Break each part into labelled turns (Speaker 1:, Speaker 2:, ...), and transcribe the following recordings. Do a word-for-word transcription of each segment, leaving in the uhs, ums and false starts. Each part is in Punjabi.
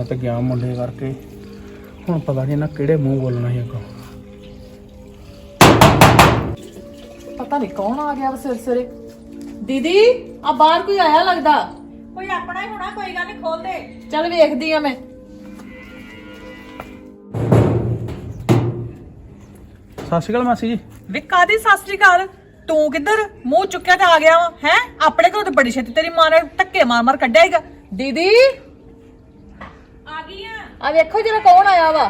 Speaker 1: ਤੇ ਗਿਆ ਮੁੰਡੇ ਕਰਕੇ। ਹੁਣ ਪਤਾ ਨਹੀਂ ਇਹਨਾਂ ਕਿਹੜੇ ਮੂੰਹ ਬੋਲਣਾ ਸੀ ਅੱਗੋਂ।
Speaker 2: ਪਤਾ ਨਹੀਂ ਕੌਣ ਆ ਗਿਆ ਸਵੇਰੇ ਸਵੇਰੇ। ਦੀਦੀ ਆ ਬਾਹਰ ਕੋਈ ਆਇਆ ਲੱਗਦਾ।
Speaker 3: ਕੋਈ ਆਪਣਾ ਹੀ ਹੋਣਾ, ਕੋਈ ਗੱਲ ਨਹੀਂ, ਖੋਲ ਦੇ।
Speaker 2: ਚੱਲ ਵੇਖਦੀ ਆ ਮੈਂ।
Speaker 1: ਸਤਿ ਸ਼੍ਰੀ ਅਕਾਲ ਮਾਸੀ ਜੀ।
Speaker 3: ਵੇ ਕਾਦੀ ਸਤਿ ਸ੍ਰੀ ਅਕਾਲ? ਤੂੰ ਕਿੱਧਰ ਮੂੰਹ ਚੁੱਕਿਆ ਤੇ ਆ ਗਿਆ ਵਾ ਹੈ? ਆਪਣੇ ਘਰੋਂ ਤੇ ਬੜੀ ਛੇਤੀ ਤੇਰੀ ਮਾਂ ਨੇ ਧੱਕੇ ਮਾਰ ਮਾਰ ਕੱਢਿਆ ਹੈਗਾ।
Speaker 2: ਦੀਦੀ
Speaker 3: ਆ ਗਈ ਆ।
Speaker 2: ਆ ਵੇਖੋ ਜਰਾ ਕੌਣ ਆਇਆ ਵਾ।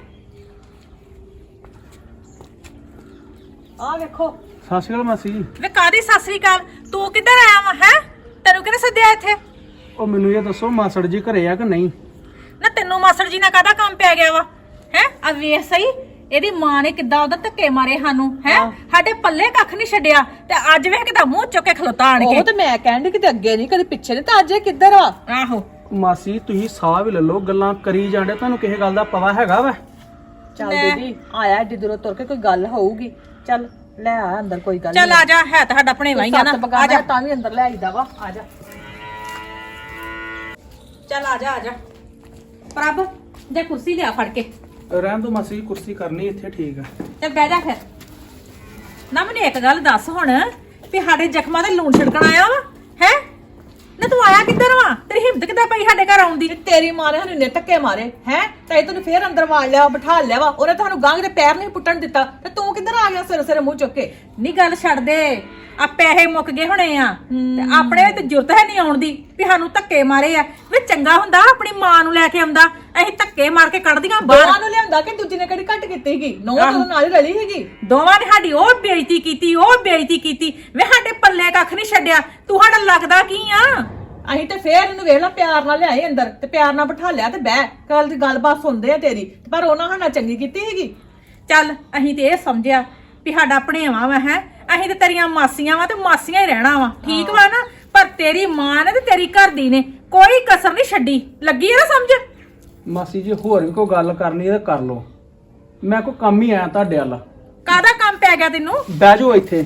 Speaker 3: ਆ ਵੇਖੋ।
Speaker 1: ਸਤਿ ਸ਼੍ਰੀ ਅਕਾਲ ਮਾਸੀ ਜੀ।
Speaker 3: ਵੇ ਕਾਦੀ ਸਤਿ ਸ੍ਰੀ ਅਕਾਲ? ਤੂੰ ਕਿੱਧਰ ਆਇਆ ਵਾ ਹੈ? ਤੈਨੂੰ ਕਿਹਨੇ ਸੱਦਿਆ ਇੱਥੇ?
Speaker 1: ਉਹ ਮੈਨੂੰ ਇਹ ਦੱਸੋ ਮਾਸੜ ਜੀ ਘਰੇ ਆ ਕਿ ਨਹੀਂ?
Speaker 3: ਨਾ ਤੈਨੂੰ ਮਾਸੜ ਜੀ ਨਾਲ ਕਾਹਦਾ ਕੰਮ ਪੈ ਗਿਆ ਵਾ ਹੈ? ਆ ਵੇਖ ਸਹੀ ਇਹਦੀ ਮਾਂ ਨੇ ਕਿੱਦਾਂ ਉਹਦਾ ਧੱਕੇ ਮਾਰੇ ਸਾਨੂੰ ਹੈ। ਸਾਡੇ ਪੱਲੇ ਕੱਖ ਨਹੀਂ ਛੱਡਿਆ ਤੇ ਅੱਜ ਵੇਖ ਕਿਦਾਂ ਮੂੰਹ ਚੁੱਕ ਕੇ ਖਲੋਤਾ ਆਣ ਕੇ।
Speaker 2: ਉਹ ਤੇ ਮੈਂ ਕਹਿੰਦੀ ਕਿਤੇ ਅੱਗੇ ਨਹੀਂ ਕਦੇ ਪਿੱਛੇ ਨਹੀਂ, ਤਾਂ ਅੱਜ ਇਹ ਕਿੱਧਰ ਆ?
Speaker 3: ਆਹੋ
Speaker 1: ਮਾਸੀ ਤੁਸੀਂ ਸਾਹ ਵੀ ਲੈ ਲਓ, ਗੱਲਾਂ ਕਰੀ ਜਾਂਦੇ, ਤੁਹਾਨੂੰ ਕਿਸੇ ਗੱਲ ਦਾ ਪਤਾ ਹੈਗਾ ਵਾ?
Speaker 2: ਚੱਲ ਦੀਦੀ ਆਇਆ ਏਡੀ ਦੂਰੋਂ ਤੁਰ ਕੇ, ਕੋਈ ਗੱਲ ਹੋਊਗੀ। ਚੱਲ ਲੈ ਆ ਅੰਦਰ, ਕੋਈ ਗੱਲ
Speaker 3: ਚੱਲ ਆ ਜਾ, ਹੈ ਤਾਂ ਸਾਡਾ ਭਣੇਵਾ ਹੀ ਆ ਨਾ।
Speaker 2: ਆ ਜਾ ਤਾਂ ਵੀ ਅੰਦਰ ਲੈ ਆਈਦਾ ਵਾ। ਆ ਜਾ
Speaker 3: ਚੱਲ ਆ ਜਾ ਆ ਜਾ। ਪ੍ਰਭ ਜੇ ਕੁਰਸੀ ਲਿਆ ਫੜ ਕੇ।
Speaker 1: ਰਹਿਣ ਦੋ ਮਾਸੀ ਜੀ, ਕੁਰਸੀ ਕਰਨੀ ਇੱਥੇ ਠੀਕ ਆ।
Speaker 3: ਤੇ ਬਹਿ ਜਾ ਫਿਰ। ਨਾ ਮੈਨੂੰ ਇੱਕ ਗੱਲ ਦੱਸ ਹੁਣ, ਵੀ ਸਾਡੇ ਜ਼ਖਮਾਂ ਤੇ ਲੂਣ ਛਿੜਕਣ ਆਇਆ ਵਾ ਹੈ? ਨਾ ਤੂੰ ਆਇਆ ਕਿੱਧਰ ਵਾ? ਤੇਰੀ ਹਿੰਮਤ ਕਿੱਦਾਂ ਪਈ ਸਾਡੇ ਘਰ ਆਉਣ ਦੀ?
Speaker 2: ਤੇਰੀ ਮਾਂ ਨੇ ਸਾਨੂੰ ਨੇ ਧੱਕੇ ਮਾਰੇ ਹੈ, ਤੇ ਤੈਨੂੰ ਫੇਰ ਅੰਦਰ ਵਾੜ ਲਿਆ, ਬਿਠਾ ਲਿਆ ਵਾ। ਉਹਨੇ ਤੁਹਾਨੂੰ ਗਾਂਗ ਦੇ ਪੈਰ ਨਹੀਂ ਪੁੱਟਣ ਦਿੱਤਾ, ਤੇ ਤੂੰ ਕਿੱਧਰ ਆ ਗਿਆ ਸਿਰ ਸਿਰ ਮੂੰਹ ਚੁੱਕ ਕੇ?
Speaker 3: ਨਹੀਂ ਗੱਲ ਛੱਡ ਦੇ, ਆ ਪੈਸੇ ਮੁੱਕ ਗਏ ਹੋਣੇ ਆ ਤੇ ਆਪਣੇ ਤੇ ਜੁਰਤ ਹੈ ਨਹੀਂ ਆਉਣ ਦੀ ਵੀ ਸਾਨੂੰ ਧੱਕੇ ਮਾਰੇ ਆ। ਵੀ ਚੰਗਾ ਹੁੰਦਾ ਆਪਣੀ ਮਾਂ ਨੂੰ ਲੈ ਕੇ ਆਉਂਦਾ, ਅਸੀਂ ਧੱਕੇ ਮਾਰ ਕੇ ਕੱਢਦੀਆਂ ਬਾਹਰ।
Speaker 2: ਦੋਵਾਂ ਨੂੰ ਲਿਆਂਦਾ ਕਿ ਦੂਜੀ ਨੇ ਕਿਹੜੀ ਘੱਟ ਕੀਤੀ ਸੀਗੀ? ਨੌਂ ਤੋਂ ਨਾਲ ਹੀ ਰਲੀ ਸੀਗੀ।
Speaker 3: ਦੋਵਾਂ ਨੇ ਸਾਡੀ ਉਹ ਬੇਇੱਜ਼ਤੀ ਕੀਤੀ, ਉਹ ਬੇਇੱਜ਼ਤੀ ਕੀਤੀ। ਵੇ ਸਾਡੇ ਪੱਲੇ ਕੱਖ ਨਹੀਂ ਛੱਡਿਆ। ਤੂੰ ਸਾਡਾ ਲੱਗਦਾ ਕੀ ਆ?
Speaker 2: ਅਸੀਂ ਤੇ ਫੇਰ ਇਹਨੂੰ ਵੇਖ ਲਾ ਪਿਆਰ ਨਾਲ ਲਿਆਏ ਅੰਦਰ, ਤੇ ਪਿਆਰ ਨਾਲ ਬਿਠਾ ਲਿਆ, ਤੇ ਬਹਿ ਕੱਲ ਦੀ ਗੱਲਬਾਤ ਸੁਣਦੇ ਆ ਤੇਰੀ। ਪਰ ਉਹਨਾਂ ਹਣਾ ਚੰਗੀ ਕੀਤੀ ਸੀਗੀ।
Speaker 3: ਚੱਲ ਅਸੀਂ ਤੇ ਇਹ ਸਮਝਿਆ ਵੀ ਸਾਡਾ ਭਣੇਵਾ ਵਾ ਹੈ, ਅਸੀਂ ਤੇ ਤੇਰੀਆਂ ਮਾਸੀਆਂ ਵਾ ਤੇ ਮਾਸੀਆਂ ਹੀ ਰਹਿਣਾ ਵਾ, ਠੀਕ ਵਾ ਨਾ? ਪਰ ਤੇਰੀ ਮਾਂ ਨੇ ਤੇ ਤੇਰੀ ਘਰ ਦੀ ਨੇ ਕੋਈ ਕਸਰ ਨਹੀਂ ਛੱਡੀ। ਲੱਗੀ ਆ ਨਾ ਸਮਝ?
Speaker 1: ਮਾਸੀ ਜੀ ਹੋਰ ਵੀ ਕੋਈ ਗੱਲ ਕਰਨੀ ਹੈ ਤਾਂ ਕਰ ਲਓ, ਮੈਂ ਕੋਈ ਕੰਮ ਹੀ ਆਇਆ ਤੁਹਾਡੇ ਵੱਲ।
Speaker 3: ਕਾਹਦਾ ਕੰਮ ਪੈ ਗਿਆ ਤੈਨੂੰ?
Speaker 1: ਬਹਿ ਜਾਓ ਇੱਥੇ।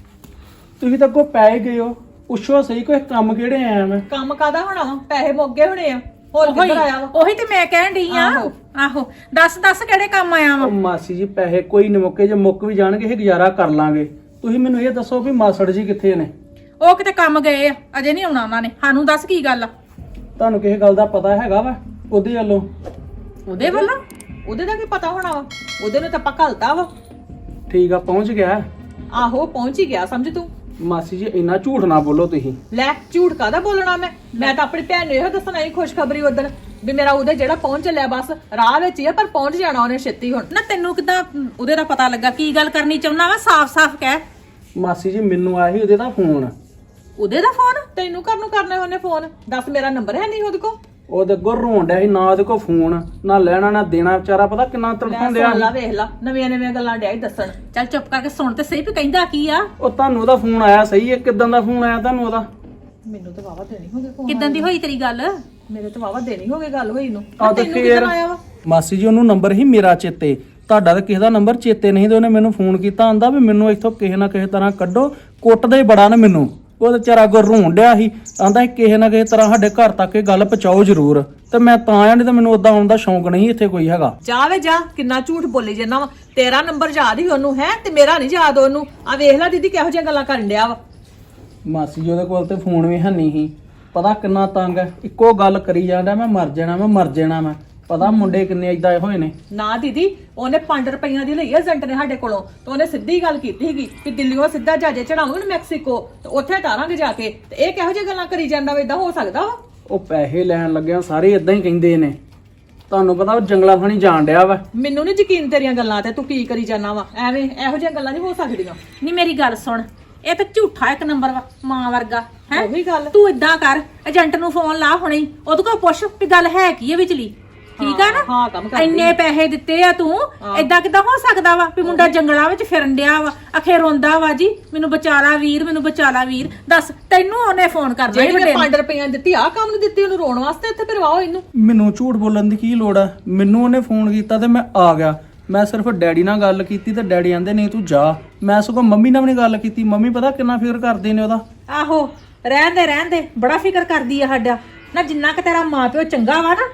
Speaker 1: ਤੁਸੀਂ ਤਾਂ ਅੱਗੋਂ ਪੈ ਹੀ ਗਏ ਹੋ, ਪੁੱਛੋ ਸਹੀ ਕੋਈ ਕੰਮ ਕਿਹੜੇ ਆਇਆ ਮੈਂ?
Speaker 2: ਕੰਮ ਕਾਦਾ ਹੋਣਾ ਵਾ? ਪੈਸੇ ਮੁੱਕ ਗਏ ਹੋਣੇ ਆ, ਹੋਰ ਕਿੱਧਰ ਆਇਆ ਵਾ?
Speaker 3: ਉਹੀ ਤੇ ਮੈਂ ਕਹਿਣ ਡਈ ਆ।
Speaker 2: ਆਹੋ।
Speaker 3: ਆਹੋ ਦੱਸ ਦੱਸ ਕਿਹੜੇ ਕੰਮ ਆਇਆ ਵਾ?
Speaker 1: ਉਹ ਮਾਸੀ ਜੀ ਪੈਸੇ ਕੋਈ ਨਹੀਂ ਮੁੱਕੇ, ਜੇ ਮੁੱਕ ਵੀ ਜਾਣਗੇ ਇਹ ਗੁਜ਼ਾਰਾ ਕਰ ਲਾਂਗੇ। ਤੁਸੀਂ ਮੈਨੂੰ ਇਹ ਦੱਸੋ ਵੀ ਮਾਸੜ ਜੀ ਕਿੱਥੇ ਨੇ?
Speaker 3: ਉਹ ਕਿਤੇ ਕੰਮ ਗਏ ਆ, ਅਜੇ ਨਹੀਂ ਆਉਣਾ ਉਹਨਾਂ ਨੇ। ਸਾਨੂੰ ਦੱਸ ਕੀ ਗੱਲ ਆ?
Speaker 1: ਤੁਹਾਨੂੰ ਕਿਸੇ ਗੱਲ ਦਾ ਪਤਾ ਹੈਗਾ ਵਾ ਉਹਦੇ ਵੱਲੋਂ?
Speaker 3: ਉਹਦੇ ਵੱਲੋਂ?
Speaker 2: ਉਹਦੇ ਦਾ ਕੀ ਪਤਾ ਹੋਣਾ ਵਾ? ਉਹਦੇ ਨੂੰ ਤਾਂ ਆਪਾਂ ਘਲਤਾ ਵਾ।
Speaker 1: ਠੀਕ ਆ, ਪਹੁੰਚ ਗਿਆ।
Speaker 2: ਆਹੋ ਪਹੁੰਚ ਹੀ ਗਿਆ ਸਮਝ ਤੂੰ।
Speaker 1: ਮਾਸੀ ਜੀ ਇੰਨਾ ਝੂਠ ਨਾ ਬੋਲੋ ਤੁਸੀਂ।
Speaker 2: ਲੈ ਝੂਠ ਕਾਦਾ ਬੋਲਣਾ ਮੈਂ? ਮੈਂ ਤਾਂ ਆਪਣੀ ਭੈਣ ਨੂੰ ਇਹੋ ਦੱਸਣਾ ਹੀ ਖੁਸ਼ਖਬਰੀ ਉਦਣ ਵੀ ਮੇਰਾ ਉਹਦੇ ਜਿਹੜਾ ਪਹੁੰਚ ਚੱਲਿਆ, ਬਸ ਰਾਹ ਵਿੱਚ ਹੀ ਆ, ਪਰ ਪਹੁੰਚ ਜਾਣਾ ਉਹਨੇ ਛੇਤੀ। ਹੁਣ
Speaker 3: ਨਾ ਤੈਨੂੰ ਕਿਦਾਂ ਉਹਦੇ ਦਾ ਪਤਾ ਲੱਗਾ? ਕੀ ਗੱਲ ਕਰਨੀ ਚਾਹੁੰਦਾ ਵਾ? ਸਾਫ਼-ਸਾਫ਼ ਕਹਿ।
Speaker 1: ਮਾਸੀ ਜੀ ਮੈਨੂੰ ਆਇਆ ਸੀ ਉਹਦੇ ਦਾ ਫੋਨ।
Speaker 3: ਉਹਦੇ ਦਾ ਫੋਨ?
Speaker 2: ਤੈਨੂੰ ਘਰ ਨੂੰ ਕਰਨਾ ਉਹਨੇ ਫੋਨ? ਦੱਸ ਮੇਰਾ ਨੰਬਰ ਹੈ ਨਹੀਂ ਉਹਦੇ ਕੋਲ?
Speaker 1: ਉਹਦੇ ਅੱਗੋਂ ਰੋਣ ਡਿਆ ਸੀ, ਨਾ ਉਹਦੇ ਕੋਲ ਫੋਨ, ਨਾ ਲੈਣਾ ਨਾ ਦੇਣਾ। ਵਿਚਾਰਾ ਪਤਾ ਕਿੰਨਾ ਤੜਫਾਉਂਦੇ ਆ।
Speaker 2: ਲਾ ਵੇਖ ਲਾ ਨਵੀਆਂ ਨਵੀਆਂ ਗੱਲਾਂ ਡਿਆ ਹੀ ਦੱਸਣ।
Speaker 3: ਚੱਲ ਚੁੱਪ ਕਰਕੇ ਸੁਣ ਤੇ ਸਹੀ ਵੀ ਕਹਿੰਦਾ ਕੀ ਆ।
Speaker 1: ਉਹ ਤੁਹਾਨੂੰ ਉਹਦਾ ਫੋਨ ਆਇਆ ਸਹੀ ਹੈ? ਕਿਦਾਂ ਦਾ ਫੋਨ ਆਇਆ ਤੁਹਾਨੂੰ ਉਹਦਾ?
Speaker 2: ਮੈਨੂੰ ਤਾਂ ਵਾਵਾ ਦੇਣੀ ਹੋ ਗਈ ਫੋਨ।
Speaker 3: ਕਿਦਾਂ ਦੀ ਹੋਈ ਤੇਰੀ ਗੱਲ?
Speaker 2: ਮੇਰੇ ਤਾਂ ਵਾਵਾ ਦੇਣੀ ਹੋ ਗਈ ਗੱਲ ਹੋਈ ਨੂੰ।
Speaker 1: ਆ ਤੇ
Speaker 2: ਤੈਨੂੰ
Speaker 1: ਫੇਰ
Speaker 2: ਕਿੱਦਾਂ ਆਇਆ ਵਾ?
Speaker 1: ਮਾਸੀ ਜੀ ਉਹਨੂੰ ਨੰਬਰ ਹੀ ਮੇਰਾ ਚੇਤੇ, ਤੁਹਾਡਾ ਤਾਂ ਕਿਸੇ ਦਾ ਨੰਬਰ ਚੇਤੇ ਨਹੀਂ, ਤੇ ਉਹਨੇ ਮੈਨੂੰ ਫੋਨ ਕੀਤਾ, ਆਂਦਾ ਵੀ ਮੈਨੂੰ ਇੱਥੋਂ ਕਿਸੇ ਨਾ ਕਿਸੇ ਤਰ੍ਹਾਂ ਕੱਢੋ। ਕੁੱਟਦਾ ਹੀ ਬੜਾ ਨਾ ਮੈਨੂੰ। ਉਹ ਤੇ ਵਿਚਾਰਾ ਅੱਗੋਂ ਰੋਣ ਡਿਆ ਸੀ, ਆਂਦਾ ਸੀ ਕਿਸੇ ਨਾ ਕਿਸੇ ਤਰ੍ਹਾਂ ਸਾਡੇ ਘਰ ਤੱਕ ਇਹ ਗੱਲ ਪਹੁੰਚਾਓ ਜ਼ਰੂਰ। ਤੇ ਮੈਂ ਤਾਂ ਆਇਆ, ਨਹੀਂ ਤਾਂ ਮੈਨੂੰ ਉਦਾਂ ਆਉਣ ਦਾ ਸ਼ੌਂਕ ਨਹੀਂ ਇੱਥੇ ਕੋਈ ਹੈਗਾ।
Speaker 2: ਜਾ ਵੇ ਜਾ, ਕਿੰਨਾ ਝੂਠ ਬੋਲੀ ਜਾਂਦਾ ਵਾ। ਤੇਰਾ ਨੰਬਰ ਯਾਦ ਹੀ ਉਹਨੂੰ ਹੈ, ਤੇ ਮੇਰਾ ਨਹੀਂ ਯਾਦ ਉਹਨੂੰ। ਆ ਵੇਖ ਲੈ ਦੀਦੀ ਕਿਹੋ ਜਿਹੀਆਂ ਗੱਲਾਂ ਕਰਨ ਡਿਆ ਵਾ।
Speaker 1: ਮਾਸੀ ਜੀ ਉਹਦੇ ਕੋਲ ਤੇ ਫੋਨ ਵੀ ਹੈ ਨਹੀਂ ਸੀ, ਪਤਾ ਕਿੰਨਾ ਤੰਗ ਹੈ। ਇੱਕੋ ਗੱਲ ਕਰੀ ਜਾਂਦਾ, ਮੈਂ ਮਰ ਜਾਣਾ ਮੈਂ ਮਰ ਜਾਣਾ ਮੈਂ। ਪਤਾ ਮੁੰਡੇ ਕਿੰਨੇ ਏਦਾਂ ਹੋਏ ਨੇ।
Speaker 2: ਨਾ ਦੀਦੀ ਉਹਨੇ ਪੰਜ ਰੁਪਈਆਂ ਦੀ ਲਈ ਏਜੰਟ ਨੇ ਸਾਡੇ ਕੋਲੋਂ, ਤੇ ਉਹਨੇ ਸਿੱਧੀ ਗੱਲ ਕੀਤੀ ਸੀਗੀ ਕਿ ਦਿੱਲੀੋਂ ਸਿੱਧਾ ਜਹਾਜ਼ੇ ਚੜਾਉਂਗੇ ਨਾ ਮੈਕਸੀਕੋ, ਤੇ ਉੱਥੇ ਤਾਰਾਂਗੇ ਜਾ ਕੇ। ਤੇ ਇਹ ਕਿਹੋ ਜਿਹੀ ਗੱਲਾਂ ਕਰੀ ਜਾਂਦਾ ਵਾ? ਇਦਾਂ ਹੋ ਸਕਦਾ ਵਾ?
Speaker 1: ਉਹ ਪੈਸੇ ਲੈਣ ਲੱਗਿਆ ਸਾਰੇ ਇਦਾਂ ਹੀ ਕਹਿੰਦੇ ਨੇ। ਤੁਹਾਨੂੰ ਪਤਾ ਉਹ ਜੰਗਲਾ ਫਣੀ ਜਾਣ ਡਿਆ ਵਾ।
Speaker 2: ਮੈਨੂੰ ਨਹੀਂ ਯਕੀਨ ਤੇਰੀਆਂ ਗੱਲਾਂ ਤੇ, ਤੂੰ ਕੀ ਕਰੀ ਜਾਂਦਾ ਵਾ ਐਵੇਂ? ਇਹੋ ਜਿਹੀਆਂ ਗੱਲਾਂ ਨਹੀਂ ਹੋ ਸਕਦੀਆਂ।
Speaker 3: ਨਹੀਂ ਮੇਰੀ ਗੱਲ ਸੁਣ, ਇਹ ਤਾਂ ਝੂਠਾ ਇੱਕ ਨੰਬਰ ਵਾ, ਮਾਂ ਵਰਗਾ ਹੈ।
Speaker 2: ਉਹੀ ਗੱਲ।
Speaker 3: ਤੂੰ ਇਦਾਂ ਕਰ, ਏਜੰਟ ਨੂੰ ਫੋਨ ਲਾ ਹੁਣੇ, ਉਹਦੇ ਕੋਲ ਪੁੱਛ ਵੀ ਗੱਲ ਹੈ ਕੀ ਹੈ ਵਿਚਲੀ, ਠੀਕ ਆ ਨਾ?
Speaker 2: ਹਾਂ ਕੰਮ ਕਰ।
Speaker 3: ਇੰਨੇ ਪੈਸੇ ਦਿੱਤੇ ਆ ਤੂੰ, ਏਦਾਂ ਕਿਦਾਂ ਹੋ ਸਕਦਾ ਵਾ ਵੀ ਮੁੰਡਾ ਜੰਗਲਾਂ ਵਿੱਚ ਫਿਰਨ ਡਿਆ ਵਾ, ਅਖੇ ਰੋਂਦਾ ਵਾ ਜੀ ਮੈਨੂੰ ਬਚਾਲਾ ਵੀਰ, ਮੈਨੂੰ ਬਚਾਲਾ ਵੀਰ। ਦੱਸ ਤੈਨੂੰ ਉਹਨੇ ਫੋਨ ਕਰਨਾ ਹੀ
Speaker 2: ਜਿਹੜੇ ਪੰਜ ਰੁਪਈਆਂ ਦਿੱਤੀ ਆ ਕੰਮ ਨੂੰ ਦਿੱਤੀ ਉਹਨੂੰ ਰੋਣ ਵਾਸਤੇ, ਇੱਥੇ ਫਿਰਵਾਓ ਇਹਨੂੰ।
Speaker 1: ਮੈਨੂੰ ਝੂਠ ਬੋਲਣ ਦੀ ਕੀ ਲੋੜ ਆ? ਮੈਨੂੰ ਉਹਨੇ ਫੋਨ ਕੀਤਾ ਤੇ ਮੈਂ ਆ ਗਿਆ। ਮੈਂ ਸਿਰਫ ਡੈਡੀ ਨਾਲ ਗੱਲ ਕੀਤੀ ਤੇ ਡੈਡੀ ਆਂਦੇ ਨਹੀਂ ਤੂੰ ਜਾ। ਮੈਂ ਸਗੋਂ ਮੰਮੀ ਨਾਲ ਵੀ ਨੀ ਗੱਲ ਕੀਤੀ। ਮੰਮੀ ਪਤਾ ਕਿੰਨਾ ਫਿਕਰ ਕਰਦੇ ਨੇ ਉਹਦਾ।
Speaker 3: ਆਹੋ ਰਹਿਣ ਦੇ ਰਹਿਣ ਦੇ, ਬੜਾ ਫਿਕਰ ਕਰਦੀ ਆ ਸਾਡਾ ਨਾ। ਜਿੰਨਾ ਕਿ ਤੇਰਾ ਮਾਂ ਪਿਓ ਚੰਗਾ ਵਾ ਨਾ,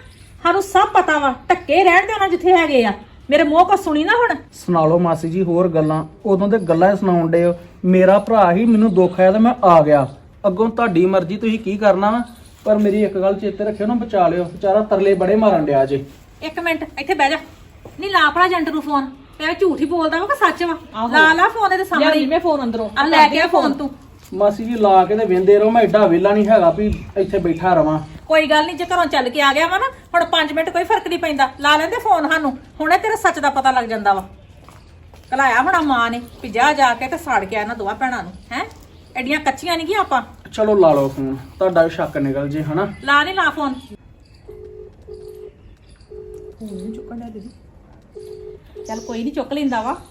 Speaker 3: ਸਾਨੂੰ ਸਭ ਪਤਾ ਵਾ, ਟੱਕੇ ਰਹਿਣ ਦੇ ਉਹਨਾਂ ਜਿੱਥੇ ਹੈਗੇ ਆ। ਮੇਰੇ ਮੂੰਹ ਕੋ ਸੁਣੀ ਨਾ ਹੁਣ।
Speaker 1: ਸੁਣਾ ਲਓ ਮਾਸੀ ਜੀ ਹੋਰ ਗੱਲਾਂ, ਉਦੋਂ ਤੇ ਗੱਲਾਂ ਹੀ ਸੁਣਾਉਣ ਡੇ ਹੋ। ਮੇਰਾ ਭਰਾ ਹੀ ਮੈਨੂੰ ਦੁੱਖ ਆਇਆ ਤੇ ਮੈਂ ਆ ਗਿਆ, ਅੱਗੋਂ ਤੁਹਾਡੀ ਮਰਜ਼ੀ, ਤੁਸੀਂ ਕੀ ਕਰਨਾ ਵਾ। ਪਰ ਮੇਰੀ ਇੱਕ ਗੱਲ ਚੇਤੇ ਰੱਖਿਓ ਨਾ, ਬਚਾ ਲਿਓ, ਵਿਚਾਰਾ ਤਰਲੇ ਬੜੇ ਮਾਰਨ ਡਿਆ ਜੇ।
Speaker 3: ਇੱਕ ਮਿੰਟ ਇੱਥੇ ਬਹਿ ਜਾ। ਨਹੀਂ ਲਾ ਭਲਾ ਏਜੰਟ ਨੂੰ ਫੋਨ, ਤੇ ਝੂਠ ਹੀ ਬੋਲਦਾ ਵਾ ਕਿ ਸੱਚ ਵਾ?
Speaker 2: ਆਹੋ।
Speaker 3: ਲਾ ਲਾ ਫੋਨ ਇਹਦੇ ਸਾਹਮਣੇ।
Speaker 2: ਲਿਆ ਮੈਂ ਫੋਨ ਅੰਦਰੋਂ
Speaker 3: ਆ ਲੈ ਕੇ ਆ ਫੋਨ ਤੂੰ।
Speaker 1: ਮਾਸੀ ਜੀ ਲਾ ਕੇ ਤੇ ਵੇਂਦੇ ਰਹੋ, ਮੈਂ ਐਡਾ ਵਿਹਲਾ ਨਹੀਂ ਹੈਗਾ ਵੀ ਇੱਥੇ ਬੈਠਾ ਰਵਾਂ।
Speaker 3: ਕੋਈ ਗੱਲ ਨਹੀਂ, ਜੇ ਘਰੋਂ ਚੱਲ ਕੇ ਆ ਗਿਆ ਵਾ ਨਾ, ਹੁਣ ਪੰਜ ਮਿੰਟ ਕੋਈ ਫਰਕ ਨਹੀਂ ਪੈਂਦਾ। ਲਾ ਲੈਂਦੇ ਫੋਨ ਸਾਨੂੰ, ਹੁਣੇ ਤੇਰੇ ਸੱਚ ਦਾ ਪਤਾ ਲੱਗ ਜਾਂਦਾ ਵਾ। ਕਲਾਇਆ ਹੋਣਾ ਮਾਂ ਨੇ ਵੀ ਜਾ ਜਾ ਕੇ ਤੇ ਸਾੜ ਕੇ ਇਹਨਾਂ ਦੋਵਾਂ ਭੈਣਾਂ ਨੂੰ। ਹੈ ਐਡੀਆਂ ਕੱਚੀਆਂ ਨਹੀਂ ਕੀ ਆਪਾਂ।
Speaker 1: ਚਲੋ ਲਾ ਲਓ ਫੋਨ, ਤੁਹਾਡਾ ਵੀ ਸ਼ੱਕ ਨਿਕਲ ਜੇ ਹਨਾ।
Speaker 3: ਲਾ ਨਹੀਂ ਲਾ ਫੋਨ।
Speaker 2: ਨਹੀਂ ਚੁੱਕਣ ਦਾ ਦੀਦੀ।
Speaker 3: ਚੱਲ ਕੋਈ ਨਹੀਂ, ਚੁੱਕ ਲੈਂਦਾ ਵਾ।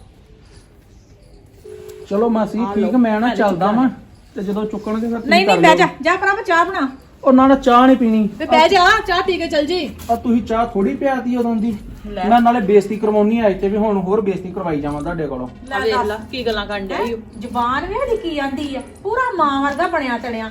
Speaker 1: ਚਲੋ ਮਾਸੀ
Speaker 2: ਆ
Speaker 1: ਠੀਕ,
Speaker 2: ਲਓ,
Speaker 1: ਮੈਂ ਨਾ
Speaker 2: ਲੈ
Speaker 1: ਚੱਲਦਾ
Speaker 2: ਚੁੱਕਣਾ।
Speaker 1: ਵਾਂ, ਤੇ ਜਦੋਂ ਚੁੱਕਣਗੇ ਫਿਰ ਤੁਸੀਂ
Speaker 3: ਨਹੀਂ
Speaker 1: ਕਰ
Speaker 3: ਨਹੀਂ ਬਹਿ ਜਾ,
Speaker 1: ਲਿਓ।
Speaker 3: ਜਾ ਭਰਾ ਚਾਹ ਬਣਾ।
Speaker 1: ਉਹ ਨਾ ਨਾ ਚਾਹ ਨਹੀਂ ਪੀਣੀ।
Speaker 2: ਤੇ ਬਹਿ ਜਾ, ਚਾਹ ਪੀ ਕੇ ਚੱਲ ਜੀ।
Speaker 1: ਆ ਤੁਸੀਂ ਚਾਹ ਥੋੜੀ ਪਿਆਤੀ ਉਦੋਂ ਦੀ।
Speaker 2: ਲੈ।
Speaker 1: ਮੈਂ ਨਾਲੇ ਬੇਇੱਜ਼ਤੀ ਕਰਵਾਉਣੀ ਆਈ ਤੇ ਵੀ ਹੁਣ ਹੋਰ ਬੇਇੱਜ਼ਤੀ ਕਰਵਾਈ ਜਾਵਾਂ ਤੁਹਾਡੇ ਕੋਲੋਂ।
Speaker 2: ਆ ਵੇਖ ਲਾ ਕੀ ਗੱਲਾਂ ਕਰਨ ਡਿਆ ਈ ਓ।
Speaker 3: ਜ਼ੁਬਾਨ ਵੇਖ ਦੀ ਕੀ ਆਂਦੀ ਆ, ਪੂਰਾ ਮਾਂ ਵਰਗਾ ਬਣਿਆ ਤੜਿਆ।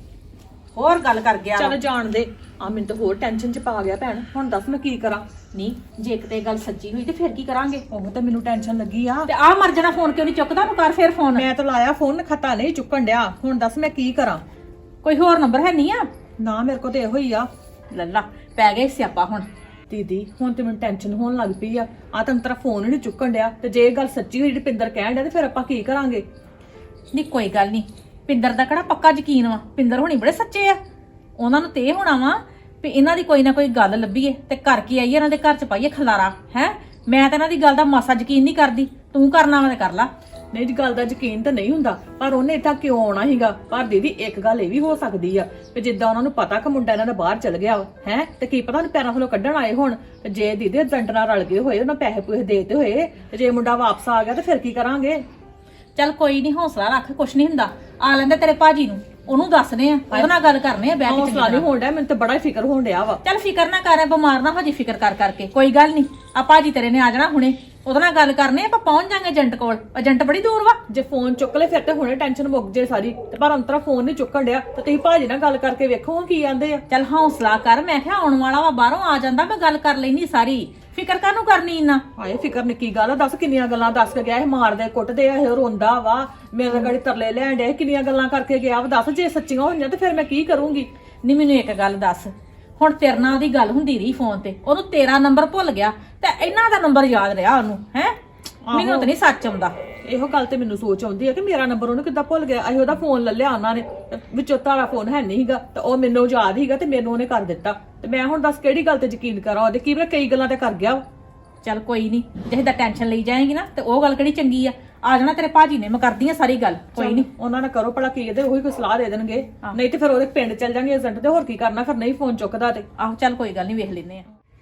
Speaker 3: ਹੋਰ ਗੱਲ ਕਰ ਗਿਆ ਵਾ।
Speaker 2: ਚੱਲ ਜਾਣ ਦੇ। ਆ ਮੈਨੂੰ ਤਾਂ ਹੋਰ ਟੈਨਸ਼ਨ ਚ ਪਾ ਗਿਆ ਭੈਣ, ਹੁਣ ਦੱਸ ਮੈਂ ਕੀ ਕਰਾਂ।
Speaker 3: ਨਹੀਂ ਜੇ ਕਿਤੇ ਗੱਲ ਸੱਚੀ ਹੋਈ ਤੇ ਫਿਰ ਕੀ ਕਰਾਂਗੇ?
Speaker 2: ਉਹ ਤਾਂ ਮੈਨੂੰ ਟੈਨਸ਼ਨ ਲੱਗੀ ਆ।
Speaker 3: ਤੇ ਆ ਮਰ ਜਾਣਾ ਫੋਨ ਕਿਉਂ ਨਹੀਂ ਚੁੱਕਦਾ? ਨੂੰ ਕਰ ਫੇਰ ਫੋਨ।
Speaker 2: ਮੈਂ ਤਾਂ ਲਾਇਆ ਫੋਨ, ਖਤਾ ਨਹੀਂ ਚੁੱਕਣ ਡਿਆ। ਹੁਣ ਦੱਸ ਮੈਂ ਕੀ ਕਰਾਂ।
Speaker 3: ਕੋਈ ਹੋਰ ਨੰਬਰ ਹੈ ਨਹੀਂ ਆ?
Speaker 2: ਨਾ ਮੇਰੇ ਕੋਲ ਤੇ ਇਹੋ ਹੀ ਆ।
Speaker 3: ਲੱਲਾ ਪੈ ਗਏ ਸਿਆਪਾ ਹੁਣ।
Speaker 2: ਦੀਦੀ ਹੁਣ ਤੇ ਮੈਨੂੰ ਟੈਨਸ਼ਨ ਹੋਣ ਲੱਗ ਪਈ ਆ। ਆ ਤਾਂ ਤੇਰਾ ਫੋਨ ਹੀ ਨਹੀਂ ਚੁੱਕਣ ਡਿਆ, ਤੇ ਜੇ ਇਹ ਗੱਲ ਸੱਚੀ ਹੋਈ ਜਿਹੜੀ ਪਿੰਦਰ ਕਹਿਣ ਡਿਆ ਤੇ ਫਿਰ ਆਪਾਂ ਕੀ ਕਰਾਂਗੇ?
Speaker 3: ਨਹੀਂ ਕੋਈ ਗੱਲ ਨਹੀਂ, ਪਿੰਦਰ ਦਾ ਕਿਹੜਾ ਪੱਕਾ ਯਕੀਨ ਵਾ? ਪਿੰਦਰ ਹੋਣੀ ਬੜੇ ਸੱਚੇ ਆ। ਉਹਨਾਂ ਨੂੰ ਤੇ ਇਹ ਹੋਣਾ ਵਾ ਵੀ ਇਹਨਾਂ ਦੀ ਕੋਈ ਨਾ ਕੋਈ ਗੱਲ ਲੱਭੀਏ ਤੇ ਘਰ ਕੀ ਆਈਏ, ਇਹਨਾਂ ਦੇ ਘਰ ਚ ਪਾਈਏ ਖਲਾਰਾ। ਹੈ ਮੈਂ ਤਾਂ ਇਹਨਾਂ ਦੀ ਗੱਲ ਦਾ ਮਾਸਾ ਯਕੀਨ ਨਹੀਂ ਕਰਦੀ। ਤੂੰ ਕਰਨਾ ਵਾ ਤੇ ਕਰ ਲਾ।
Speaker 2: ਨਹੀਂ ਜੀ ਗੱਲ ਦਾ ਯਕੀਨ ਤਾਂ ਨਹੀਂ ਹੁੰਦਾ, ਪਰ ਉਹਨੇ ਇੱਥਾ ਕਿਉਂ ਆਉਣਾ ਸੀਗਾ? ਪਰ ਦੀਦੀ ਇੱਕ ਗੱਲ ਇਹ ਵੀ ਹੋ ਸਕਦੀ ਆ ਕਿ ਜਿੱਦਾਂ ਉਹਨਾਂ ਨੂੰ ਪਤਾ ਕਿ ਮੁੰਡਾ ਇਹਨਾਂ ਦਾ ਬਾਹਰ ਚਲ ਗਿਆ ਵਾ, ਹੈ ਤੇ ਕੀ ਪਤਾ ਉਹਨੂੰ ਪੈਰਾਂ ਥੱਲੋਂ ਕੱਢਣ ਆਏ ਹੋਣ। ਤੇ ਜੇ ਦੀਦੀ ਏਜੰਟ ਨਾਲ ਰਲ ਗਏ ਹੋਏ, ਉਹਨਾਂ ਪੈਸੇ ਪੂਸੇ ਦੇਤੇ ਹੋਏ, ਤੇ ਜੇ ਮੁੰਡਾ ਵਾਪਸ ਆ ਗਿਆ ਤੇ ਫਿਰ ਕੀ ਕਰਾਂਗੇ?
Speaker 3: ਚੱਲ ਕੋਈ ਨਹੀਂ, ਹੌਸਲਾ ਰੱਖ, ਕੁਛ ਨਹੀਂ ਹੁੰਦਾ। ਆ ਲੈਂਦੇ ਤੇਰੇ ਭਾਜੀ ਨੂੰ, ਉਹਨੂੰ ਦੱਸਦੇ ਆ, ਉਹਦੇ ਨਾਲ ਗੱਲ ਕਰਨੇ ਆ ਬੈਠ ਕੇ।
Speaker 2: ਹੌਸਲਾ ਨਹੀਂ ਹੋਣ ਡਿਆ, ਮੈਨੂੰ ਤਾਂ ਬੜਾ ਹੀ ਫਿਕਰ ਹੋਣ ਡਿਆ ਵਾ।
Speaker 3: ਚੱਲ ਫਿਕਰ ਨਾ ਕਰ, ਬਿਮਾਰ ਨਾ ਹੋ ਜੀ ਫਿਕਰ ਕਰ ਕਰਕੇ। ਕੋਈ ਗੱਲ ਨਹੀਂ, ਆ ਭਾਜੀ ਤੇਰੇ ਨੇ ਆ ਜਾਣਾ ਹੁਣੇ, ਉਹਦੇ ਨਾਲ ਗੱਲ ਕਰਨੇ ਆਪਾਂ ਪਹੁੰਚ ਜਾਾਂਗੇ ਏਜੰਟ ਕੋਲ। ਏਜੰਟ ਬੜੀ ਦੂਰ ਵਾ।
Speaker 2: ਜੇ ਫੋਨ ਚੁੱਕ ਲੈ ਫਿਰ ਤੇ ਹੁਣੇ ਟੈਨਸ਼ਨ ਮੁੱਕ ਜੇ ਸਾਰੀ। ਤੇ ਪਰ ਅੰਤਰਾ ਫੋਨ ਨਹੀਂ ਚੁੱਕਣ ਡਿਆ, ਤੇ ਤੁਸੀਂ ਭਾਜੀ ਨਾਲ ਗੱਲ ਕਰਕੇ ਵੇਖੋ ਕੀ ਆਂਦੇ ਆ।
Speaker 3: ਚੱਲ ਹੌਸਲਾ ਕਰ, ਮੈਂ ਕਿਹਾ ਆਉਣ ਵਾਲਾ ਵਾ, ਬਾਹਰੋਂ ਆ ਜਾਂਦਾ, ਮੈਂ ਗੱਲ ਕਰ ਲੈਣੀ ਸਾਰੀ। ਫਿਕਰ ਕਾਹਨੂੰ ਕਰਨੀ ਇੰਨਾ?
Speaker 2: ਹਾਏ ਫਿਕਰ ਨਿੱਕੀ ਗੱਲ ਆ, ਦੱਸ ਕਿੰਨੀਆਂ ਗੱਲਾਂ ਦੱਸ ਕੇ ਗਿਆ। ਇਹ ਮਾਰਦੇ ਕੁੱਟਦੇ ਆ, ਇਹ ਰੋਂਦਾ ਵਾ, ਮੇਰੇ ਗਾੜੀ ਤਰਲੇ ਲੈਣ ਡਿਆ, ਕਿੰਨੀਆਂ ਗੱਲਾਂ ਕਰਕੇ ਗਿਆ ਵਾ। ਦੱਸ ਜੇ ਸੱਚੀਆਂ ਹੋਈਆਂ ਤੇ ਫਿਰ ਮੈਂ ਕੀ ਕਰੂੰਗੀ?
Speaker 3: ਨਹੀਂ ਮੈਨੂੰ ਇੱਕ ਗੱਲ ਦੱਸ, ਹੁਣ ਤੇਰੇ ਨਾਲ ਉਹਦੀ ਗੱਲ ਹੁੰਦੀ ਰਹੀ ਫੋਨ ਤੇ, ਉਹਨੂੰ ਤੇਰਾ ਨੰਬਰ ਭੁੱਲ ਗਿਆ ਤੇ ਇਹਨਾਂ ਦਾ ਨੰਬਰ ਯਾਦ ਰਿਹਾ ਉਹਨੂੰ? ਹੈ ਮੈਨੂੰ ਤਾਂ ਨਹੀਂ ਸੱਚ ਆਉਂਦਾ।
Speaker 2: ਇਹੋ ਗੱਲ ਤੇ ਮੈਨੂੰ ਸੋਚ ਆਉਂਦੀ ਆ ਕਿ ਮੇਰਾ ਨੰਬਰ ਉਹਨੂੰ ਕਿੱਦਾਂ ਭੁੱਲ ਗਿਆ। ਅਸੀਂ ਉਹਦਾ ਫੋਨ ਲੈ ਲਿਆ ਉਹਨਾਂ ਨੇ, ਤੇ ਵਿੱਚੋਂ ਤਾਰਾ ਫੋਨ ਹੈ ਨਹੀਂ ਸੀਗਾ, ਤੇ ਉਹ ਮੈਨੂੰ ਯਾਦ ਸੀਗਾ ਤੇ ਮੈਨੂੰ ਉਹਨੇ ਕਰ ਦਿੱਤਾ। ਤੇ ਮੈਂ ਹੁਣ ਦੱਸ ਕਿਹੜੀ ਗੱਲ ਤੇ ਯਕੀਨ ਕਰਾਂ? ਉਹਦੇ ਕੀ ਪਤਾ ਕਈ ਗੱਲਾਂ ਤੇ ਕਰ ਗਿਆ ਵਾ।
Speaker 3: ਚੱਲ ਕੋਈ ਨਹੀਂ, ਜੇ ਦਾ ਟੈਨਸ਼ਨ ਲਈ ਜਾਏਗੀ ਨਾ ਤੇ ਉਹ ਗੱਲ ਕਿਹੜੀ ਚੰਗੀ ਆ। ਆ ਜਾਣਾ ਤੇਰੇ ਭਾਜੀ ਨੇ, ਮੈਂ ਕਰਦੀ ਆ ਸਾਰੀ ਗੱਲ। ਕੋਈ ਨਹੀਂ,
Speaker 2: ਉਹਨਾਂ ਨੇ ਕਰੋ ਭਲਾ ਕੀ ਇਹਦੇ, ਉਹੀ ਕੋਈ ਸਲਾਹ ਦੇ ਦੇਣਗੇ। ਨਹੀਂ ਤੇ ਫਿਰ ਉਹਦੇ ਪਿੰਡ ਚੱਲ ਜਾਣਗੇ ਏਜੰਟ ਤੇ, ਹੋਰ ਕੀ ਕਰਨਾ ਫਿਰ? ਨਹੀਂ ਫੋਨ ਚੁੱਕਦਾ ਤੇ
Speaker 3: ਆਹੋ ਚੱਲ ਕੋਈ ਗੱਲ ਨਹੀਂ, ਵੇਖ ਲੈਨੇ ਆ।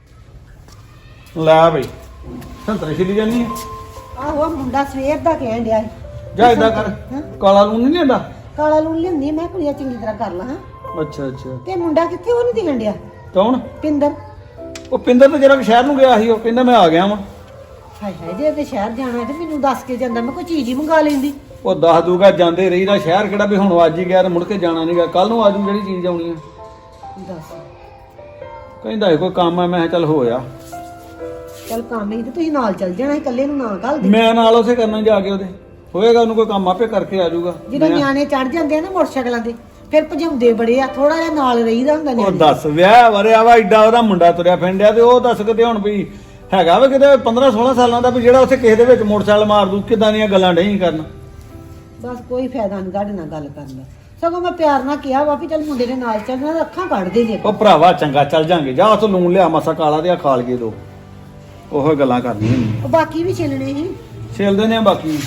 Speaker 4: ਲੈ ਬਈ ਸੰਤਰੇ ਛਿੱਲੀ ਜਾਨੀ ਹੈ।
Speaker 5: ਆਹੋ ਮੁੰਡਾ ਸਵੇਰ ਦਾ ਕਹਿਣ ਡਿਆ ਸੀ।
Speaker 4: ਜਾ ਇਦਾਂ ਕਰ, ਕਾਲਾ ਲੂਣ ਨਹੀਂ ਲੈਂਦਾ।
Speaker 5: ਕਾਲਾ ਲੂਣ ਲਿਆਂਦੀ ਮੈਂ ਕੁੜੀਆਂ ਚੰਗੀ ਤਰ੍ਹਾਂ ਕਰ ਲਾਂ। ਹਾਂ
Speaker 4: ਅੱਛਾ ਅੱਛਾ।
Speaker 5: ਤੇ ਮੁੰਡਾ ਕਿੱਥੇ? ਉਹ ਨਹੀਂ ਦਿਖਣ ਡਿਆ।
Speaker 4: ਕੌਣ?
Speaker 5: ਪਿੰਦਰ।
Speaker 4: ਉਹ ਪਿੰਦਰ ਤਾਂ ਜਿਹੜਾ ਸ਼ਹਿਰ ਨੂੰ ਗਿਆ ਸੀ, ਉਹ ਕਹਿੰਦਾ ਮੈਂ ਆ ਗਿਆ ਵਾਂ।
Speaker 5: ਹਾਏ ਹਾਏ, ਜੇ ਤੇ ਸ਼ਹਿਰ ਜਾਣਾ ਤੇ ਮੈਨੂੰ ਦੱਸ ਕੇ ਜਾਂਦਾ, ਮੈਂ ਕੋਈ ਚੀਜ਼ ਹੀ ਮੰਗਾ ਲੈਂਦੀ।
Speaker 4: ਉਹ ਦੱਸ ਦੂਗਾ, ਜਾਂਦੇ ਰਹੀ ਦਾ ਸ਼ਹਿਰ ਕਿਹੜਾ ਵੀ ਹੁਣ ਅੱਜ ਹੀ ਗਿਆ ਤੇ ਮੁੜ ਕੇ ਜਾਣਾ ਨਹੀਂਗਾ, ਕੱਲ ਨੂੰ ਆਜੂ ਜਿਹੜੀ ਚੀਜ਼ ਆਉਣੀ ਆ।
Speaker 5: ਦੱਸ
Speaker 4: ਕਹਿੰਦਾ ਇਹ ਕੋਈ ਕੰਮ ਆ, ਮੈਂ ਕਿਹਾ ਚੱਲ ਹੋਇਆ।
Speaker 5: ਚੱਲ ਕੰਮ ਹੀ ਤੇ ਤੁਸੀਂ ਨਾਲ ਚੱਲ ਜਾਣਾ, ਇਕੱਲੇ ਨੂੰ ਨਾ ਘੱਲ ਦੇ।
Speaker 4: ਮੈਂ ਨਾਲ ਉਸੇ ਕਰਨਾ ਜਾ ਕੇ ਉਹਦੇ, ਹੋਏਗਾ ਉਹਨੂੰ ਕੋਈ ਕੰਮ ਆਪੇ ਕਰਕੇ ਆ ਜਾਊਗਾ।
Speaker 5: ਜਦੋਂ ਨਿਆਣੇ ਚੜ ਜਾਂਦੇ ਆ ਨਾ ਮੋਟਰਸਾਈਕਲਾਂ ਤੇ, ਫਿਰ ਭਜਾਉਂਦੇ ਬੜੇ ਆ, ਥੋੜਾ ਜਿਹਾ ਨਾਲ ਰਹੀਦਾ ਹੁੰਦਾ
Speaker 4: ਉਹ
Speaker 5: ਨਿਆਣੇ।
Speaker 4: ਦੱਸ ਵਿਆਹ ਵਰਿਆ ਵਾ, ਏਡਾ ਉਹਦਾ ਮੁੰਡਾ ਤੁਰਿਆ ਫਿੰਡਿਆ, ਤੇ ਉਹ ਦੱਸ ਕਿਤੇ ਹੁਣ ਵੀ ਹੈਗਾ ਵਾ ਕਿਤੇ ਪੰਦਰਾਂ ਸੋਲਾਂ ਸਾਲਾਂ ਦਾ ਵੀ ਜਿਹੜਾ ਉੱਥੇ ਕਿਸੇ ਦੇ ਵਿੱਚ ਮੋਟਰਸਾਈਕਲ ਮਾਰ ਦੂ। ਕਿਦਾਂ ਦੀਆਂ ਗੱਲਾਂ ਨਹੀਂ ਕਰਨ।
Speaker 5: ਬਸ ਕੋਈ ਫਾਇਦਾ ਨਹੀਂ ਤੁਹਾਡੇ ਨਾਲ ਗੱਲ ਕਰਨ ਦਾ। ਸਗੋਂ ਮੈਂ ਪਿਆਰ ਨਾਲ ਕਿਹਾ ਵਾ ਵੀ ਚੱਲ ਮੁੰਡੇ ਦੇ ਨਾਲ ਚੱਲਣਾ, ਤਾਂ ਅੱਖਾਂ ਕੱਢ ਦੇ ਜੇ।
Speaker 4: ਉਹ ਭਰਾਵਾ ਚੰਗਾ ਚੱਲ ਜਾਂਗੇ, ਜਾ ਉੱਥੋਂ ਲੂਣ ਲਿਆ ਮਾਸਾ ਕਾਲਾ ਤੇ ਆ ਖਾਲ ਕੇ ਦੋ। ਉਹੋ ਗੱਲਾਂ ਕਰਨੀਆਂ ਹੁੰਦੀਆਂ,
Speaker 5: ਉਹ ਬਾਕੀ ਵੀ ਛਿਲਣੇ ਸੀ।
Speaker 4: ਛਿਲ ਦਿੰਦੇ ਆ ਬਾਕੀ।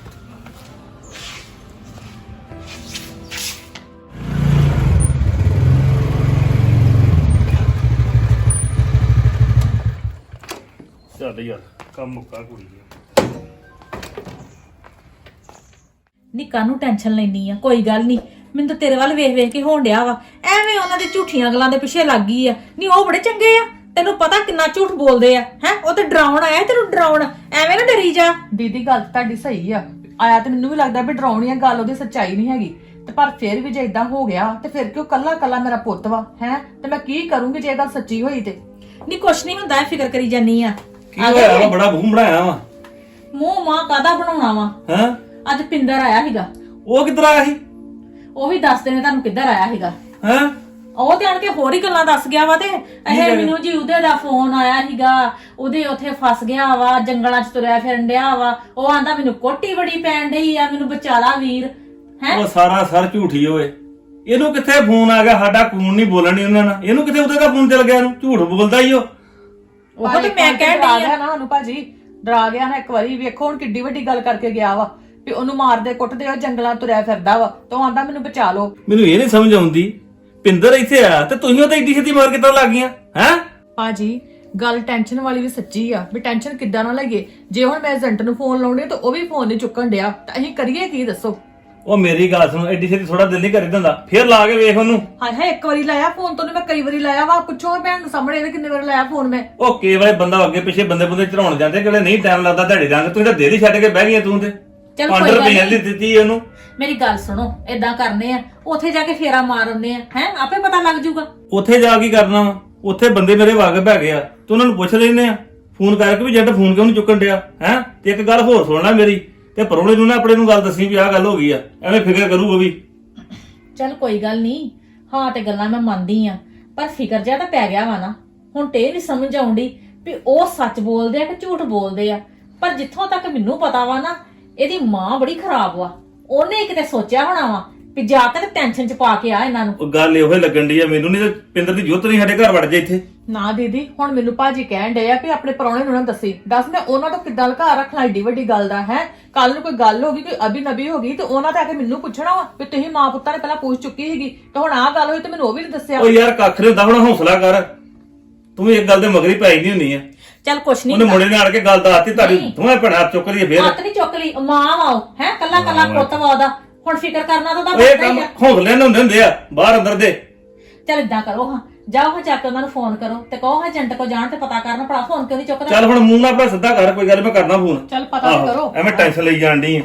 Speaker 6: ਚੱਲ ਯਾਰ ਕੰਮ ਮੁੱਕਾ ਕੁੜੀ ਦਾ।
Speaker 3: ਨੀ ਕਾਹਨੂੰ ਟੈਨਸ਼ਨ ਲੈਣੀ ਆ? ਕੋਈ ਗੱਲ ਨਹੀਂ, ਮੈਨੂੰ ਤਾਂ ਤੇਰੇ ਵੱਲ ਵੇਖ ਵੇਖ ਕੇ ਹੋਣ ਡਿਆ ਵਾ। ਐਵੇਂ ਉਹਨਾਂ ਦੀ ਝੂਠੀਆਂ ਗੱਲਾਂ ਦੇ ਪਿੱਛੇ ਲੱਗ ਗਈ ਆ। ਨਹੀਂ ਉਹ ਬੜੇ ਚੰਗੇ ਆ, ਤੈਨੂੰ ਪਤਾ ਕਿੰਨਾ ਝੂਠ ਬੋਲਦੇ ਆ। ਹੈ ਉਹ ਤੇ ਡਰਾਉਣ ਆਇਆ ਤੈਨੂੰ, ਡਰਾਉਣ। ਐਵੇਂ ਨਾ ਡਰੀ ਜਾ।
Speaker 2: ਦੀਦੀ ਗੱਲ ਤੁਹਾਡੀ ਸਹੀ ਆ। ਆਇਆ ਤੇ ਮੈਨੂੰ ਵੀ ਲੱਗਦਾ ਵੀ ਡਰਾਉਣੀ ਆ ਗੱਲ, ਉਹਦੀ ਸੱਚਾਈ ਨਹੀਂ ਹੈਗੀ। ਤੇ ਪਰ ਫਿਰ ਵੀ ਜੇ ਇਦਾਂ ਹੋ ਗਿਆ ਤੇ ਫਿਰ ਕਿਉਂ ਕੱਲਾ ਕੱਲਾ ਮੇਰਾ ਪੁੱਤ ਵਾ, ਹੈ ਤੇ ਮੈਂ ਕੀ ਕਰੂੰਗੀ ਜੇ ਇਹ ਗੱਲ ਸੱਚੀ ਹੋਈ ਤੇ?
Speaker 3: ਨਹੀਂ ਕੁਛ ਨਹੀਂ ਹੁੰਦਾ ਫਿਕਰ ਕਰੀ ਜਾਨੀ ਆ
Speaker 4: ਕੀ ਹੋਇਆ ਵਾ ਬੜਾ ਮੂੰਹ ਬਣਾਇਆ ਵਾ
Speaker 3: ਮੂੰਹ ਮਾਂ ਕਾਦਾ ਬਣਾਉਣਾ ਵਾ
Speaker 4: ਹਾਂ
Speaker 3: ਅੱਜ ਪਿੰਦਰ ਆਇਆ ਸੀਗਾ
Speaker 4: ਉਹ ਕਿੱਧਰ ਆਇਆ ਸੀ
Speaker 3: ਉਹ ਵੀ ਦੱਸਦੇ ਨੇ ਤੁਹਾਨੂੰ ਕਿੱਧਰ ਆਇਆ ਸੀਗਾ
Speaker 4: ਹਾਂ
Speaker 3: ਉਹ ਤੇ ਆਣ ਕੇ ਹੋਰ ਹੀ ਗੱਲਾਂ ਦੱਸ ਗਿਆ ਵਾ ਤੇ ਇਹ ਮੈਨੂੰ ਜੀ ਉਹਦੇ ਦਾ ਫੋਨ ਆਇਆ ਸੀਗਾ ਉਹਦੇ ਉੱਥੇ ਫਸ ਗਿਆ ਵਾ ਜੰਗਲਾਂ 'ਚ ਤੁਰਿਆ ਫਿਰਨ ਡਿਆ ਵਾ ਉਹ ਆਂਦਾ ਮੈਨੂੰ ਕੋਟੀ ਬੜੀ ਪੈਣ ਡਈ ਆ ਮੈਨੂੰ ਬਚਾਲਾ ਵੀਰ ਹੈ
Speaker 4: ਉਹ ਸਾਰਾ ਸਰ ਝੂਠੀ ਓਏ ਇਹਨੂੰ ਕਿੱਥੇ ਫੋਨ ਆ ਗਿਆ ਸਾਡਾ ਕੂਨ ਨਹੀਂ ਬੋਲਣ ਨਹੀਂ ਉਹਨਾਂ ਨਾਲ ਇਹਨੂੰ ਕਿੱਥੇ ਉਹਦੇ ਦਾ ਫੋਨ ਚੱਲ ਗਿਆ ਇਹਨੂੰ ਝੂਠ ਬੋਲਦਾ ਹੀ ਉਹ
Speaker 3: ਉਹ ਤੇ ਮੈਂ ਕਹਿਣ
Speaker 2: ਡਰਾ
Speaker 3: ਡਈ ਆ
Speaker 2: ਗਿਆ ਨਾ ਉਹਨੂੰ ਭਾਜੀ ਡਰਾ ਗਿਆ ਨਾ ਇੱਕ ਵਾਰੀ ਵੇਖੋ ਹੁਣ ਕਿੱਡੀ ਵੱਡੀ ਗੱਲ ਕਰਕੇ ਗਿਆ ਵਾ ਵੀ ਉਹਨੂੰ ਮਾਰਦੇ ਕੁੱਟਦੇ ਉਹ ਜੰਗਲਾਂ ਤੁਰਿਆ ਫਿਰਦਾ ਵਾ ਤਾਂ ਆਂਦਾ ਮੈਨੂੰ ਬਚਾ ਲਓ।
Speaker 4: ਮੈਨੂੰ ਇਹ ਨਹੀਂ ਸਮਝ ਆਉਂਦੀ ਪਿੰਦਰ ਇੱਥੇ ਆਇਆ ਤੇ ਤੁਸੀਂ ਉਹਦੇ ਏਡੀ ਛੇਤੀ ਮਾਰ ਕਿੱਦਾਂ ਲੱਗ ਗਈਆਂ ਹੈ
Speaker 2: ਭਾਜੀ ਗੱਲ ਟੈਨਸ਼ਨ ਵਾਲੀ ਵੀ ਸੱਚੀ ਆ ਵੀ ਟੈਨਸ਼ਨ ਕਿੱਦਾਂ ਨਾ ਲਈਏ ਜੇ ਹੁਣ ਮੈਂ ਏਜੰਟ ਨੂੰ ਫੋਨ ਲਾਉਣੇ ਤਾਂ ਉਹ ਵੀ ਫੋਨ ਨਹੀਂ ਚੁੱਕਣ ਡਿਆ ਤਾਂ ਅਸੀਂ ਕਰੀਏ ਕੀ ਦੱਸੋ।
Speaker 4: ਉਹ ਮੇਰੀ ਗੱਲ ਸੁਣ ਏਡੀ ਛੇਤੀ ਥੋੜਾ ਦਿਲ ਨਹੀਂ ਕਰੀ ਦਿੰਦਾ ਫੇਰ ਲਾ ਕੇ ਵੇਖ ਉਹਨੂੰ
Speaker 2: ਹਾਏ ਹਾਏ ਇੱਕ ਵਾਰੀ ਲਾਇਆ ਫੋਨ ਤੋਂ ਮੈਂ ਕਈ ਵਾਰੀ ਲਾਇਆ ਵਾ ਪੁੱਛੋ ਭੈਣ ਨੂੰ ਸਾਹਮਣੇ ਇਹਦੇ ਕਿੰਨੇ ਵਾਰ ਲਾਇਆ ਫੋਨ ਮੈਂ।
Speaker 4: ਉਹ ਕਈ ਵਾਰ ਬੰਦਾ ਅੱਗੇ ਪਿੱਛੇ ਬੰਦੇ ਬੰਦੇ ਚੜਾਉਣ ਜਾਂਦੇ ਕਿਹੜੇ ਨਹੀਂ ਟਾਈਮ ਲੱਗਦਾ ਤੁਹਾਡੇ ਰੰਗ ਤੂੰ ਤਾਂ ਦਿਲ ਹੀ ਛੱਡ ਕੇ ਬਹਿ ਗਈ ਤੂੰ ਤੇ
Speaker 3: ਚੱਲ
Speaker 4: ਪੰਜ
Speaker 3: ਕੋਈ ਗੱਲ
Speaker 4: ਰੁਪਏ ਦੀ
Speaker 3: ਨਹੀਂ।
Speaker 4: ਦਿੱਤੀ ਉਹਨੂੰ
Speaker 3: ਮੇਰੀ ਗੱਲ ਸੁਣੋ ਏਦਾਂ ਕਰਨੇ ਆ ਉੱਥੇ ਜਾ ਕੇ ਫੇਰਾ ਮਾਰ ਆਉਂਦੇ ਆ ਹੈ ਆਪੇ ਪਤਾ ਲੱਗ ਜਾਊਗਾ।
Speaker 4: ਉੱਥੇ ਜਾ ਕੀ ਕਰਨਾ ਵਾ ਉੱਥੇ ਬੰਦੇ ਮੇਰੇ ਵਾਕਫ ਹੈਗੇ ਆ ਤੇ ਉਹਨਾਂ ਨੂੰ ਪੁੱਛ ਲੈਨੇ ਆ ਫੋਨ ਕਰਕੇ ਵੀ ਜੱਟ ਫੋਨ ਕਿਉਂ ਨਹੀਂ ਚੁੱਕਣ ਡਿਆ ਹੈ ਤੇ ਇੱਕ ਗੱਲ ਹੋਰ ਸੁਣ ਲੈ ਮੇਰੀ ਤੇ ਪਰੋਣੇ ਨੂੰ ਨਾ ਆਪਣੇ ਨੂੰ ਗੱਲ ਦੱਸੀ ਵੀ ਆਹ ਗੱਲ ਹੋ ਗਈ ਆ ਐਵੇਂ ਫਿਕਰ ਕਰੂ ਉਹ ਵੀ।
Speaker 3: ਚੱਲ ਕੋਈ ਗੱਲ ਨਹੀਂ ਹਾਂ ਤੇ ਗੱਲਾਂ ਮੈਂ ਮੰਨਦੀ ਆ ਪਰ ਫਿਕਰ ਜਿਆ ਤਾਂ ਪੈ ਗਿਆ ਵਾ ਨਾ ਹੁਣ ਤੇ ਇਹ ਨਹੀਂ ਸਮਝ ਆਉਂਦੀ ਵੀ ਉਹ ਸੱਚ ਬੋਲਦੇ ਆ ਕਿ ਝੂਠ ਬੋਲਦੇ ਆ ਪਰ ਜਿੱਥੋਂ ਤੱਕ ਮੈਨੂੰ ਪਤਾ ਵਾ ਨਾ ਇਹਦੀ ਮਾਂ ਬੜੀ ਖਰਾਬ ਵਾ ਉਹਨੇ ਕਿਤੇ ਸੋਚਿਆ ਹੋਣਾ ਵਾ ਵੀ ਜਾ ਕੇ ਟੈਨਸ਼ਨ ਚ ਪਾ ਕੇ ਆ ਇਹਨਾਂ ਨੂੰ।
Speaker 4: ਉਹ ਗੱਲ ਇਹੋ ਹੀ ਲੱਗਣ ਡਈ ਆ ਮੈਨੂੰ ਨਹੀਂ ਤੇ ਪਿੰਦਰ ਦੀ ਜੁੱਤ ਨਹੀਂ ਸਾਡੇ ਘਰ ਵੜ ਜੇ ਇੱਥੇ।
Speaker 2: ਨਾ ਦੀਦੀ ਹੁਣ ਮੈਨੂੰ ਭਾਜੀ ਕਹਿਣ ਡਏ ਆ ਵੀ ਆਪਣੇ ਪਰੌਣੇ ਨੂੰ ਨਾ ਦੱਸੀ ਦੱਸ ਮੈਂ ਉਹਨਾਂ ਤੋਂ ਕਿੱਦਾਂ ਲੁਕਾ ਰੱਖਣਾ ਏਡੀ ਵੱਡੀ ਗੱਲ ਦਾ ਹੈ ਕੱਲ ਨੂੰ ਕੋਈ ਗੱਲ ਹੋ ਗਈ ਕੋਈ ਅਬੀ ਨਬੀ ਹੋ ਗਈ ਤੇ ਉਹਨਾਂ ਤੇ ਆ ਕੇ ਮੈਨੂੰ ਪੁੱਛਣਾ ਵਾ ਵੀ ਤੁਸੀਂ ਮਾਂ ਪੁੱਤਾਂ ਨੇ ਪਹਿਲਾਂ ਪੁੱਛ ਚੁੱਕੀ ਸੀਗੀ ਤੇ ਹੁਣ ਆਹ ਗੱਲ ਹੋਈ ਤੇ ਮੈਨੂੰ ਉਹ ਵੀ ਨਹੀਂ ਦੱਸਿਆ।
Speaker 4: ਉਹ ਯਾਰ ਕੱਖ ਨਹੀਂ ਹੁੰਦਾ ਹੁਣ ਹੌਸਲਾ ਕਰ ਤੂੰ ਵੀ ਇੱਕ ਗੱਲ ਦੇ ਮਗਰੀ ਪੈ ਨਹੀਂ ਹੁੰਦੀ ਆ।
Speaker 3: ਚੱਲ ਕੁਛ ਨਹੀਂ
Speaker 4: ਉਹਨੇ ਮੁੰਡੇ ਨੇ ਆੜ ਕੇ ਗੱਲ ਦੱਸਤੀ ਤੁਹਾਡੀ ਦੋਵੇਂ ਭੈਣਾਂ ਹੱਥ ਚੁੱਕ ਲਈਏ ਫੇਰ
Speaker 3: ਹੱਥ ਨਹੀਂ ਚੁੱਕ ਲਈ ਮਾਂ ਵਾ ਉਹ ਹੈ ਕੱਲਾ ਕੱਲਾ ਪੁੱਤ ਵਾ ਉਹਦਾ ਹੁਣ ਫਿਕਰ ਕਰਨਾ ਤਾਂ ਉਹਦਾ
Speaker 4: ਇਹ
Speaker 3: ਬਣਦਾ
Speaker 4: ਕੰਮ
Speaker 3: ਹੀ ਆ।
Speaker 4: ਹੌਸਲੇ ਨਾਲ ਹੁੰਦੇ ਹੁੰਦੇ ਆ ਬਾਹਰ ਅੰਦਰ ਦੇ।
Speaker 3: ਚੱਲ ਇਦਾਂ ਕਰੋ ਹਾਂ ਜਾਓ ਹਾਂ ਜਾ ਕੇ ਉਹਨਾਂ ਨੂੰ ਫੋਨ ਕਰੋ ਤੇ ਕਹੋ ਹਾਂ ਏਜੰਟ ਕੋ ਜਾਣ ਤੇ ਪਤਾ ਕਰਨ ਭਲਾ ਫੋਨ ਕਿਉਂ ਨਹੀਂ ਚੁੱਕਦਾ।
Speaker 4: ਚੱਲ ਹੁਣ ਮੂੰਹ ਨਾਲ ਆਪਣਾ ਸਿੱਧਾ ਕਰ ਕੋਈ ਗੱਲ ਮੈਂ ਕਰਨਾ ਫੋਨ।
Speaker 2: ਚੱਲ ਪਤਾ ਤਾਂ
Speaker 4: ਆਹੋ,
Speaker 2: ਕਰੋ।
Speaker 4: ਐਵੇਂ ਟੈਨਸ਼ਨ ਲਈ ਜਾਣ ਡਈ ਆ।